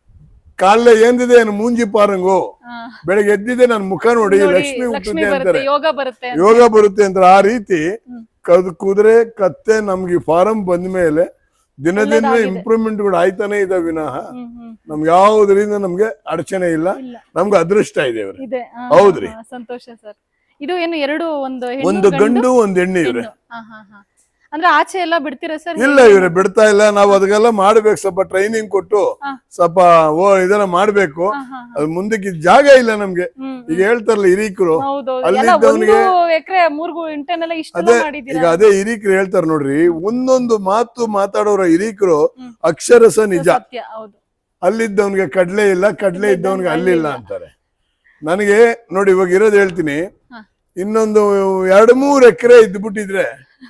[SPEAKER 2] ಕಾಲೇ ಏನಿದೆ ಏನು ಮೂಂಜಿ ಪಾರಂಗು,
[SPEAKER 1] ಹಾ.
[SPEAKER 2] ಬೆಳಗ್ಗೆ ಎದ್ದಿದೆ ನನ್ನ ಮುಖ ನೋಡಿ
[SPEAKER 1] ನೋಡಿ,
[SPEAKER 2] ಲಕ್ಷ್ಮಿ
[SPEAKER 1] ಲಕ್ಷ್ಮಿ
[SPEAKER 2] ಹುಟ್ಟುತ್ತೆ
[SPEAKER 1] ಬರುತ್ತೆ,
[SPEAKER 2] ಅಂತಾರೆ,
[SPEAKER 1] ಯೋಗ ಬರುತ್ತೆ ಅಂತ.
[SPEAKER 2] ಯೋಗ ಬರುತ್ತೆ ಅಂತಾರೆ. ಆ ರೀತಿ ಕದ್ ಕುದುರೆ ಕತ್ತೆ ನಮ್ಗೆ ಫಾರಂ ಬಂದ ಮೇಲೆ ದಿನ ದಿನ
[SPEAKER 1] ಒಳ್ಳೆದಾಗಿದೆ.
[SPEAKER 2] ಇಂಪ್ರೂವ್ಮೆಂಟ್ ಗಳು ಆಯ್ತಾನೆ ಇದೆ ವಿನಃ
[SPEAKER 1] ಹ್ಮ್, ಹ್ಮ್.
[SPEAKER 2] ನಮ್ಗೆ ಯಾವ್ದ್ರಿಂದ ನಮ್ಗೆ ಅಡಚಣೆ ಇಲ್ಲ,
[SPEAKER 1] ಇಲ್ಲ.
[SPEAKER 2] ನಮ್ಗೆ ಅದೃಷ್ಟ ಇದೆ ಇವ್ರೆ.
[SPEAKER 1] ಇದೆ. ಹಾ,
[SPEAKER 2] ಹೌದ್ರಿ.
[SPEAKER 1] ಹಾ, ಸಂತೋಷ ಸರ್. ಇದು ಏನು ಎರಡು ಒಂದು ಹೆಣ್ಣು,
[SPEAKER 2] ಒಂದು ಗಂಡು ಒಂದು ಹೆಣ್ಣು ಇವ್ರೆ.
[SPEAKER 1] ಹೆಣ್ಣು. ಹಾ, ಹಾ, ಹಾ. ಅಂದ್ರೆ ಆಚೆ ಎಲ್ಲ ಬಿಡ್ತೀರಾ ಸರ್?
[SPEAKER 2] ಇಲ್ಲ ಇವ್ರೆ ಬಿಡ್ತಾ ಇಲ್ಲ. ನಾವು ಅದಕ್ಕೆಲ್ಲ ಮಾಡ್ಬೇಕು, ಸ್ವಲ್ಪ ಟ್ರೈನಿಂಗ್ ಕೊಟ್ಟು ಸ್ವಲ್ಪ ಓ ಇದನ್ನ ಮಾಡ್ಬೇಕು. ಅದು ಮುಂದಕ್ಕೆ ಜಾಗ ಇಲ್ಲ ನಮ್ಗೆ. ಈಗ ಹೇಳ್ತಾರಲ್ಲ ಹಿರೀಕರು, ಅಲ್ಲಿದ್ದವನಿಗೆ
[SPEAKER 1] ಎಕರೆ ಮೂರ್ ಗುಂಟೆನೆಲ್ಲ ಇಷ್ಟೆಲ್ಲ
[SPEAKER 2] ಅದೇ
[SPEAKER 1] ಮಾಡಿದೀರಾ?
[SPEAKER 2] ಈಗ ಅದೇ ಹಿರೀಕರು ಹೇಳ್ತಾರ ನೋಡ್ರಿ, ಒಂದೊಂದು ಮಾತು ಮಾತಾಡೋರ ಹಿರೀಕರು ಅಕ್ಷರಸ ನಿಜ.
[SPEAKER 1] ಸತ್ಯ, ಹೌದು.
[SPEAKER 2] ಅಲ್ಲಿದ್ದವನ್ಗೆ ಕಡ್ಲೆ ಇಲ್ಲ, ಕಡ್ಲೆ ಇದ್ದವನ್ಗೆ ಅಲ್ಲಿಲ್ಲ ಅಂತಾರೆ. ನನಗೆ ನೋಡಿ ಇವಾಗ ಇರೋದು ಹೇಳ್ತೀನಿ, ಇನ್ನೊಂದು ಎರಡು ಮೂರು ಎಕರೆ ಇದ್ಬಿಟ್ಟಿದ್ರೆ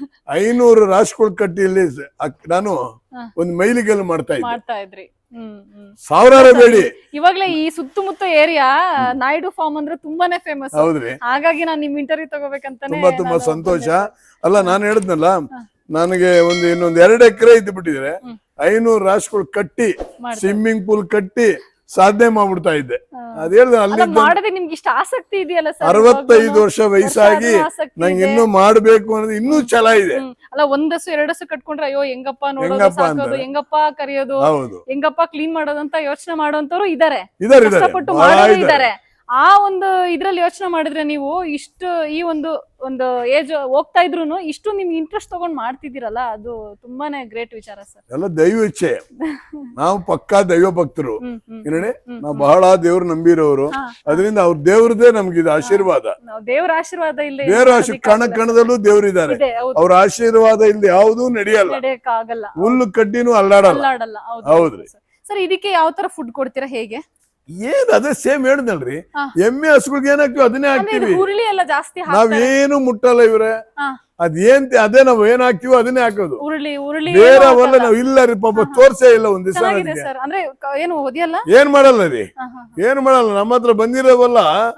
[SPEAKER 2] ಐನೂರು ರಾಷ್ಟ್ರಗಳು ಕಟ್ಟಿಯಲ್ಲಿ ನಾನು ಒಂದು ಮೈಲಿಗೆಲ್ಲ ಮಾಡ್ತಾ ಇದ್ದೆ.
[SPEAKER 1] ಮಾಡ್ತಾ ಇದ್ರಿ. ಹ್ಮ್ ಹ್ಮ್.
[SPEAKER 2] ಸಾವಿರಾರು ಬೇಡಿ.
[SPEAKER 1] ಇವಾಗ್ಲೇ ಈ ಸುತ್ತಮುತ್ತ ಏರಿಯಾ ನಾಯ್ಡು ಫಾರ್ಮ್ ಅಂದ್ರೆ ತುಂಬಾನೇ ಫೇಮಸ್.
[SPEAKER 2] ಹೌದ್ರಿ.
[SPEAKER 1] ಹಾಗಾಗಿ ನಾನು ನಿಮ್ ಇಂಟರ್ವ್ಯೂ ತಗೋಬೇಕಂತಾನೆ
[SPEAKER 2] ತುಂಬಾ ತುಂಬಾ ಸಂತೋಷ. ಅಲ್ಲ ನಾನು ಹೇಳಿದ್ನಲ್ಲ, ನನಗೆ ಒಂದು ಇನ್ನೊಂದ್ ಎರಡು ಎಕರೆ ಇದ್ದು ಬಿಟ್ಟಿದ್ರೆ ಐನೂರು ರಾಷ್ಟ್ರಗಳು ಕಟ್ಟಿ ಸ್ವಿಮ್ಮಿಂಗ್ ಪೂಲ್ ಕಟ್ಟಿ ಸಾಧನೆ ಮಾಡ್ಬಿಡ್ತಾ ಇದ್ದೆ. ಅದ್ ಹೇಳ್ದೆ ಅಲ್ಲಿ
[SPEAKER 1] ಮಾಡೋದೇ ನಿಮ್ಗೆ ಇಷ್ಟ ಆಸಕ್ತಿ ಇದೆಯಲ್ಲ ಸರ್?
[SPEAKER 2] ಅರವತ್ತೈದು ವರ್ಷ ವಯಸ್ಸಾಗಿ ನಂಗೆ ಇನ್ನೂ ಮಾಡ್ಬೇಕು ಅನ್ನೋದು ಇನ್ನೂ ಛಲ ಇದೆ.
[SPEAKER 1] ಅಲ್ಲ ಒಂದಸು ಎರಡಸು ಕಟ್ಕೊಂಡ್ರೆ ಅಯ್ಯೋ ಹೆಂಗಪ್ಪ ನೋಡೋದು, ಸಾಕೋದು, ಹೆಂಗಪ್ಪ ಕರೆಯೋದು, ಹೆಂಗಪ್ಪ ಕ್ಲೀನ್ ಮಾಡೋದಂತ ಯೋಚನೆ ಮಾಡೋಂತವ್ರು ಇದಾರೆ, ಕಷ್ಟಪಟ್ಟು ಮಾಡೋರು ಇದಾರೆ. ಆ ಒಂದು ಇದ್ರಲ್ಲಿ ಯೋಚನೆ ಮಾಡಿದ್ರೆ ನೀವು ಇಷ್ಟು ಈ ಒಂದು ಒಂದು ಏಜ್ ಹೋಗ್ತಾ ಇದ್ರು ಇಷ್ಟು ನಿಮ್ಗೆ ಇಂಟ್ರೆಸ್ಟ್ ತಗೊಂಡ್ ಮಾಡ್ತಿದ್ದೀರಲ್ಲ, ಅದು ತುಂಬಾನೇ ಗ್ರೇಟ್ ವಿಚಾರ ಸರ್.
[SPEAKER 2] ಎಲ್ಲ ದೈವ ಇಚ್ಛೆ. ನಾವು ಪಕ್ಕಾ ದೈವ ಭಕ್ತರು. ನೋಡಿ ನಾವು ಬಹಳ ದೇವ್ರು ನಂಬಿರೋರು. ಅದರಿಂದ ಅವ್ರ ದೇವ್ರದೇ ನಮ್ಗಿದು ಆಶೀರ್ವಾದ.
[SPEAKER 1] ದೇವ್ರ ಆಶೀರ್ವಾದ ಇಲ್ಲ,
[SPEAKER 2] ದೇವ್ರ ಆಶೀರ್ವಾದ ಕಣ ಕಣದಲ್ಲೂ ದೇವ್ರಿದ್ದಾರೆ. ಅವ್ರ ಆಶೀರ್ವಾದ ಇಲ್ದೆ ಯಾವ್ದೂ ನಡೆಯಲ್ಲ,
[SPEAKER 1] ಆಗಲ್ಲ.
[SPEAKER 2] ಹುಲ್ಲು ಕಡ್ಡಿನೂ ಅಲ್ಲಾಡಲ್ಲ. ಹೌದ್ರಿ
[SPEAKER 1] ಸರ್. ಇದಕ್ಕೆ ಯಾವ ತರ ಫುಡ್ ಕೊಡ್ತೀರಾ, ಹೇಗೆ?
[SPEAKER 2] ಏನ್ ಅದೇ ಸೇಮ್ ಹೇಳಿದ್ನಲ್ರಿ, ಎಮ್ಮೆ ಹಸುಗಳಿಗೆ ಏನಾಗ್ತಿವಿ ಅದನ್ನೇ ಹಾಕ್ತಿವಿ.
[SPEAKER 1] ಉರುಳಿ ಎಲ್ಲ ಜಾಸ್ತಿ
[SPEAKER 2] ನಾವೇನು ಮುಟ್ಟಲ್ಲ ಇವ್ರೆ. ಅದೇನ್ ಅದೇ ನಾವ್ ಏನ್ ಹಾಕ್ತಿವೋ ಅದನ್ನೇ ಹಾಕೋದು.
[SPEAKER 1] ಉರುಳಿ ಉರುಳಿ
[SPEAKER 2] ಬೇರೆ ಅವಲ್ಲ ನಾವ್ ಇಲ್ಲ ರೀ, ಪಾಪ ತೋರ್ಸೇ ಇಲ್ಲ ಒಂದ್ ದಿವಸ.
[SPEAKER 1] ಅಂದ್ರೆ ಏನು ಓದಿಯಲ್ಲ,
[SPEAKER 2] ಏನ್ ಮಾಡಲ್ಲ ರೀ, ಏನ್ ಮಾಡಲ್ಲ. ನಮ್ಮ ಹತ್ರ ಬಂದಿರೋವಲ್ಲ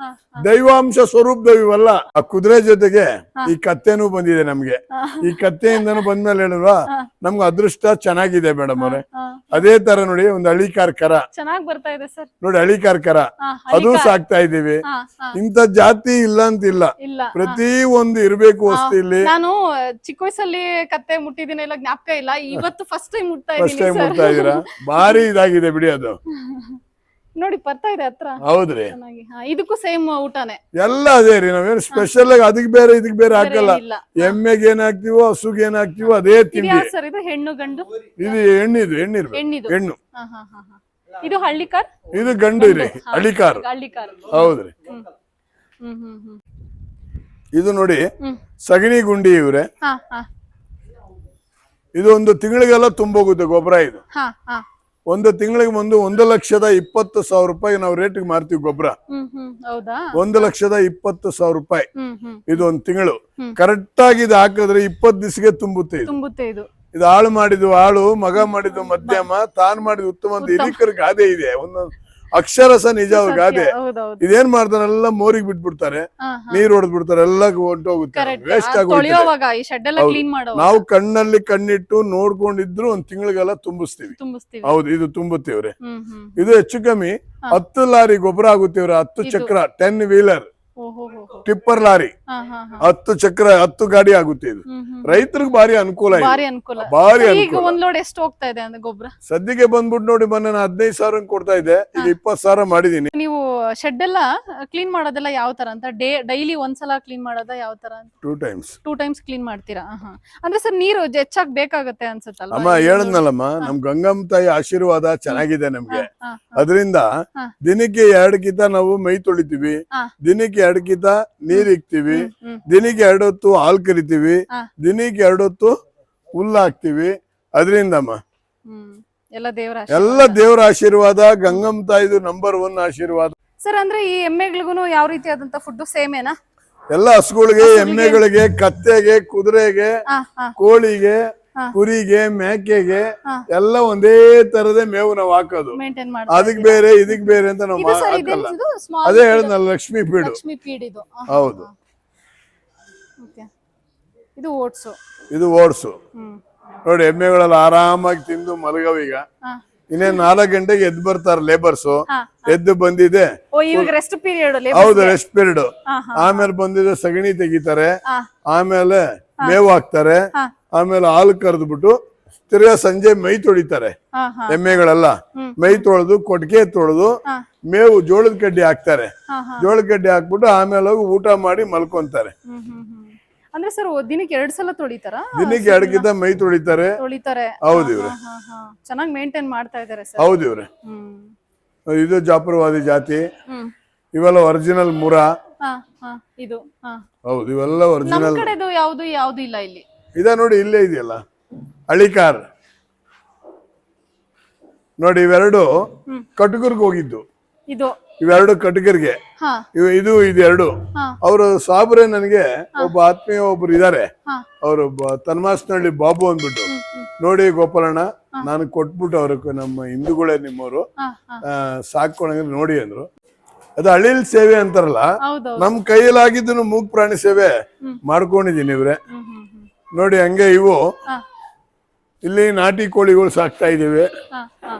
[SPEAKER 2] ದೈವಾಂಶ ಸ್ವರೂಪದವ್ ಇವಲ್ಲ. ಆ ಕುದುರೆ ಜೊತೆಗೆ ಈ ಕತ್ತೆನೂ ಬಂದಿದೆ ನಮ್ಗೆ. ಈ ಕತ್ತೆಯಿಂದನೂ ಬಂದ್ಮೇಲೆ ಹೇಳಿಲ್ವಾ ನಮ್ಗೆ ಅದೃಷ್ಟ ಚೆನ್ನಾಗಿದೆ ಮೇಡಮ್ ಅವ್ರೆ. ಅದೇ ತರ ನೋಡಿ ಒಂದು ಹಳಿಕಾರ್ ಕರ
[SPEAKER 1] ಚೆನ್ನಾಗಿ ಬರ್ತಾ ಇದೆ ಸರ್.
[SPEAKER 2] ನೋಡಿ ಹಳಿಕಾರ್ ಕರ ಅದು ಸಾಕ್ತಾ ಇದೀವಿ. ಇಂಥ ಜಾತಿ ಇಲ್ಲ ಅಂತಿಲ್ಲ, ಪ್ರತಿ ಒಂದು ಇರ್ಬೇಕು ವಸ್ತು ಇಲ್ಲಿ.
[SPEAKER 1] ನಾನು ಚಿಕ್ಕ ವಯಸ್ಸಲ್ಲಿ ಕತ್ತೆ ಮುಟ್ಟಿದ್ದೀನಿ, ಎಲ್ಲ ಜ್ಞಾಪಕ ಇಲ್ಲ. ಇವತ್ತು ಫಸ್ಟ್ ಟೈಮ್ ಮುಟ್ತಾ
[SPEAKER 2] ಫಸ್ಟ್ ಟೈಮ್ ಮುಟ್ತಾ ಇದೀರಾ, ಭಾರಿ ಇದಾಗಿದೆ ಬಿಡಿ ಅದು.
[SPEAKER 1] ನೋಡಿ ಬರ್ತಾ ಇದೆ ಹತ್ರ.
[SPEAKER 2] ಹೌದ್ರಿ.
[SPEAKER 1] ಇದಕ್ಕೂ ಸೇಮ್ ಊಟನೇ
[SPEAKER 2] ಎಲ್ಲ ಅದೇ ರೀ. ನಾವೇನು ಸ್ಪೆಷಲ್ ಆಗಿ ಅದಕ್ ಬೇರೆ ಇದಕ್ ಬೇರೆ ಹಾಕಲ್ಲ. ಎಮ್ಮೆಗೆ ಏನ್ ಹಾಕ್ತಿವೋ ಹಸುಗೆ ಏನ್ ಹಾಕ್ತಿವೋ ಅದೇ ತಿಂಡಿ.
[SPEAKER 1] ಸರ್ ಇದು ಹೆಣ್ಣು ಗಂಡು?
[SPEAKER 2] ಇದು ಹೆಣ್ಣಿದು, ಹೆಣ್ಣಿರ್ಬೇಕು, ಹೆಣ್ಣು.
[SPEAKER 1] ಇದು ಹಳ್ಳಿಕಾರ್,
[SPEAKER 2] ಇದು ಗಂಡು ರೀ, ಹಳ್ಳಿಕಾರ್. ಹೌದ್ರಿ. ಇದು ನೋಡಿ ಸಗಣಿ ಗುಂಡಿ ಇವ್ರೆ. ಇದು ಒಂದು ತಿಂಗಳಿಗೆಲ್ಲ ತುಂಬೋಗುತ್ತೆ ಗೊಬ್ಬರ. ಇದು ಒಂದು ತಿಂಗಳಿಗೆ ಒಂದು ಒಂದು ಲಕ್ಷದ ಇಪ್ಪತ್ತು ಸಾವಿರ ರೂಪಾಯಿ ನಾವು ರೇಟ್ಗೆ ಮಾರ್ತೀವಿ ಗೊಬ್ಬರ. ಒಂದು ಲಕ್ಷದ ಇಪ್ಪತ್ತು ಸಾವಿರ ರೂಪಾಯಿ ಇದು ಒಂದು ತಿಂಗಳು. ಕರೆಕ್ಟ್ ಆಗಿ ಇದು ಹಾಕಿದ್ರೆ ಇಪ್ಪತ್ತು ದಿವಸಕ್ಕೆ ತುಂಬುತ್ತೆ. ಇದು ಇದು ಹಾಳು ಮಾಡಿದ್ದು ಹಾಳು, ಮಗ ಮಾಡಿದ್ದು ಮಧ್ಯಮ, ತಾನ್ ಮಾಡಿದ ಉತ್ತಮ ಅಂತ ಹಿರೀಕರ ಗಾದೆ ಇದೆ. ಒಂದೊಂದು ಅಕ್ಷರಸ ನಿಜ ಅವ್ರ ಗಾದೆ. ಇದೇನ್ ಮಾಡ್ತಾರೆ, ಎಲ್ಲ ಮೋರಿಗೆ ಬಿಟ್ಬಿಡ್ತಾರೆ, ನೀರ್ ಹೊಡೆದ್ ಬಿಡ್ತಾರೆ, ಎಲ್ಲ ಹೊಂಟೋಗುತ್ತೆ, ವೇಸ್ಟ್ ಆಗೋಗುತ್ತೆ. ನಾವು ಕಣ್ಣಲ್ಲಿ ಕಣ್ಣಿಟ್ಟು ನೋಡ್ಕೊಂಡಿದ್ರು ಒಂದ್ ತಿಂಗಳಿಗೆಲ್ಲ ತುಂಬಿಸ್ತೀವಿ. ಹೌದು, ಇದು ತುಂಬುತ್ತೀವ್ರೆ. ಇದು ಹೆಚ್ಚು ಕಮ್ಮಿ ಹತ್ತು ಲಾರಿ ಗೊಬ್ಬರ ಆಗುತ್ತೀವ್ರೆ. ಹತ್ತು ಚಕ್ರ ಟೆನ್ ವೀಲರ್ ಟಿಪ್ಪರ್ ಲಾರಿ, ಹತ್ತು ಚಕ್ರ ಹತ್ತು ಗಾಡಿ ಆಗುತ್ತೆ. ಇದು ರೈತರಿಗೆ ಭಾರಿ ಅನುಕೂಲ, ಭಾರಿ
[SPEAKER 1] ಅನುಕೂಲ. ಎಷ್ಟು ಹೋಗ್ತಾ ಇದೆ ಅಂದ್ರೆ ಗೊಬ್ಬರ
[SPEAKER 2] ಸದ್ಯಕ್ಕೆ ಬಂದ್ಬಿಟ್ಟು ನೋಡಿ, ಮೊನ್ನೆ ನಾನು ಹದಿನೈದು ಸಾವಿರ ಕೊಡ್ತಾ ಇದ್ದೆ, ಈಗ ಇಪ್ಪತ್ತು ಸಾವಿರ ಮಾಡಿದೀನಿ.
[SPEAKER 1] ನೀವು ಶೆಡ್ ಎಲ್ಲ ಕ್ಲೀನ್ ಮಾಡೋದೆಲ್ಲ ಯಾವ ತರ ಅಂತ? ಡೇ ಡೈಲಿ ಒಂದ್ಸಲ ಕ್ಲೀನ್ ಮಾಡೋದ ಯಾವ ತರ?
[SPEAKER 2] Two times
[SPEAKER 1] two times clean ಮಾಡ್ತೀರಾ? ಅಂದ್ರೆ ಸರ್ ನೀರು ಹೆಚ್ಚಾಗಿ ಬೇಕಾಗತ್ತೆ ಅನ್ಸುತ್ತಲ್ಲ?
[SPEAKER 2] ಅಮ್ಮ ಹೇಳದ್ನಲ್ಲಮ್ಮ, ನಮ್ ಗಂಗಮ್ಮ ತಾಯಿ ಆಶೀರ್ವಾದ ಚೆನ್ನಾಗಿದೆ ನಮ್ಗೆ. ಅದರಿಂದ ದಿನಕ್ಕೆ ಎರಡು ಕಿತ ನಾವು ಮೈ ತೊಳಿತೀವಿ, ದಿನಕ್ಕೆ ಎರಡು ಕಿತ ನೀರ್ ಇಕ್ತಿವಿ, ದಿನಕ್ಕೆ ಎರಡು ಹೊತ್ತು ಹಾಲ್ ಕರಿತೀವಿ, ದಿನಕ್ಕೆ ಎರಡು ಹೊತ್ತು ಹುಲ್ಲು ಹಾಕ್ತಿವಿ. ಅದರಿಂದಮ್ಮ ಎಲ್ಲ ದೇವರ ಆಶೀರ್ವಾದ, ಗಂಗಮ್ಮ ತಾಯಿದು ನಂಬರ್ ಒನ್ ಆಶೀರ್ವಾದ.
[SPEAKER 1] ಸರ್ ಅಂದ್ರೆ ಈ ಎಮ್ಮೆಗಳಿಗೂ ಯಾವ ರೀತಿಯಾದಂತ ಫುಡ್ ಸೇಮ್ ಏನಾ?
[SPEAKER 2] ಎಲ್ಲ ಹಸುಗಳಿಗೆ, ಎಮ್ಮೆಗಳಿಗೆ, ಕತ್ತೆಗೆ, ಕುದುರೆಗೆ, ಕೋಳಿಗೆ, ಕುರಿಗೆ, ಮೇಕೆಗೆ ಎಲ್ಲ ಒಂದೇ ತರದ ಮೇವು ನಾವು ಹಾಕೋದು. ಅದಕ್ ಬೇರೆ ಇದಕ್ ಬೇರೆ ಅಂತ ನಾವು ಹಾಕಲ್ಲ. ಅದೇ ಹೇಳಿದ್ನಲ್ಲ, ಲಕ್ಷ್ಮೀ ಪೀಡು. ಹೌದು.
[SPEAKER 1] ಇದು ಓಟ್ಸು.
[SPEAKER 2] ಇದು ಓಟ್ಸು ನೋಡಿ. ಎಮ್ಮೆಗಳೆಲ್ಲ ಆರಾಮಾಗಿ ತಿಂದು ಮಲಗವೀಗ. ಇನ್ನೇನ್ ನಾಲ್ಕು ಗಂಟೆಗೆ ಎದ್ದು ಬರ್ತಾರೆ ಲೇಬರ್ಸ್. ಎದ್ದು ಬಂದಿದೆ, ಹೌದು ರೆಸ್ಟ್ ಪೀರಿಯಡ್. ಆಮೇಲೆ ಬಂದಿದೆ ಸಗಣಿ ತೆಗಿತಾರೆ, ಆಮೇಲೆ ಮೇವು ಹಾಕ್ತಾರೆ, ಆಮೇಲೆ ಹಾಲು ಕರೆದ್ಬಿಟ್ಟು ತಿರ್ಗಾ ಸಂಜೆ ಮೈ ತೊಳಿತಾರೆ. ಎಮ್ಮೆಗಳೆಲ್ಲ ಮೈ ತೊಳೆದು ಕೊಟ್ಟಿಗೆ ತೊಳೆದು ಮೇವು ಜೋಳದ ಕಡ್ಡಿ ಹಾಕ್ತಾರೆ. ಜೋಳದ ಕಡ್ಡಿ ಹಾಕ್ಬಿಟ್ಟು ಆಮೇಲೆ ಹೋಗಿ ಊಟ ಮಾಡಿ ಮಲ್ಕೊಂತಾರೆ.
[SPEAKER 1] ಅಂದ್ರೆ ಸರ್ ದಿನಕ್ಕೆ ಎರಡ್ ಸಲ ತೊಳಿತಾರ?
[SPEAKER 2] ದಿನಕ್ಕೆ ಎರಡಕ್ಕಿಂತ ಮೈ ತೊಳಿತಾರೆ.
[SPEAKER 1] ತೊಳಿತಾರೆ.
[SPEAKER 2] ಹೌದು ಇವ್ರೆ.
[SPEAKER 1] ಚೆನ್ನಾಗಿ ಮೇಂಟೈನ್ ಮಾಡ್ತಾ ಇದಾರೆ ಸರ್.
[SPEAKER 2] ಹೌದು ಇವ್ರೆ.
[SPEAKER 1] ಹ್ಮ್
[SPEAKER 2] ಇದು ಜಾಪುರವಾದಿ ಜಾತಿ.
[SPEAKER 1] ಹ್ಮ್
[SPEAKER 2] ಇವೆಲ್ಲ ಒರಿಜಿನಲ್ ಮುರ.
[SPEAKER 1] ಹಾ ಹಾ ಇದು ಹಾ
[SPEAKER 2] ಹೌದು ಇವೆಲ್ಲ
[SPEAKER 1] ನಮ್
[SPEAKER 2] ಒರಿಜಿನಲ್.
[SPEAKER 1] ಕಡೆದು ಯಾವ್ದು ಯಾವ್ದು ಇಲ್ಲ ಇಲ್ಲಿ.
[SPEAKER 2] ಇದ ನೋಡಿ ಇಲ್ಲೇ ಇದೆಯಲ್ಲ ಹಳಿಕಾರ್ ನೋಡಿ, ಇವೆರಡು ಕಟುಕರ್ಗೆ ಹೋಗಿದ್ದು.
[SPEAKER 1] ಇದು
[SPEAKER 2] ಇವೆರಡು ಕಟುಕರ್ಗೆ.
[SPEAKER 1] ಹಾ
[SPEAKER 2] ಇವು ಇದು ಇದೆರಡು.
[SPEAKER 1] ಹಾ
[SPEAKER 2] ಅವರು ಸಾಬ್ರೆ ನನಗೆ ಒಬ್ಬ ಆತ್ಮೀಯ ಒಬ್ರು ಇದಾರೆ.
[SPEAKER 1] ಹಾ
[SPEAKER 2] ಅವರು ತನ್ಮಾಸ್ನಹಳ್ಳಿ ಬಾಬು ಅಂದ್ಬಿಟ್ಟು, ನೋಡಿ ಗೋಪಾಲಣ್ಣ ನಾನು ಕೊಟ್ಬಿಟ್ಟು ಅವ್ರ ನಮ್ಮ ಹಿಂದೂಗಳೇ ನಿಮ್ಮವರು
[SPEAKER 1] ಹಾ ಹಾ
[SPEAKER 2] ಸಾಕೊಂಡ್ರೆ ನೋಡಿ ಅಂದ್ರು. ಅದು ಅಳಿಲ್ ಸೇವೆ ಅಂತಾರಲ್ಲ,
[SPEAKER 1] ಹೌದೌದು.
[SPEAKER 2] ನಮ್ ಕೈಯಲ್ಲಾಗಿದ್ದು ಮೂಗ್ ಪ್ರಾಣಿ ಸೇವೆ ಮಾಡ್ಕೊಂಡಿದೀನಿ ಇವ್ರೆ.
[SPEAKER 1] ಹ್ಮ್ ಹ್ಮ್ ಹ್ಮ್
[SPEAKER 2] ನೋಡಿ ಹಂಗೆ ಇವು
[SPEAKER 1] ಹಾ
[SPEAKER 2] ಇಲ್ಲಿ ನಾಟಿ ಕೋಳಿಗಳು ಸಾಕ್ತಾ ಇದೀವಿ.
[SPEAKER 1] ಹಾ ಹಾ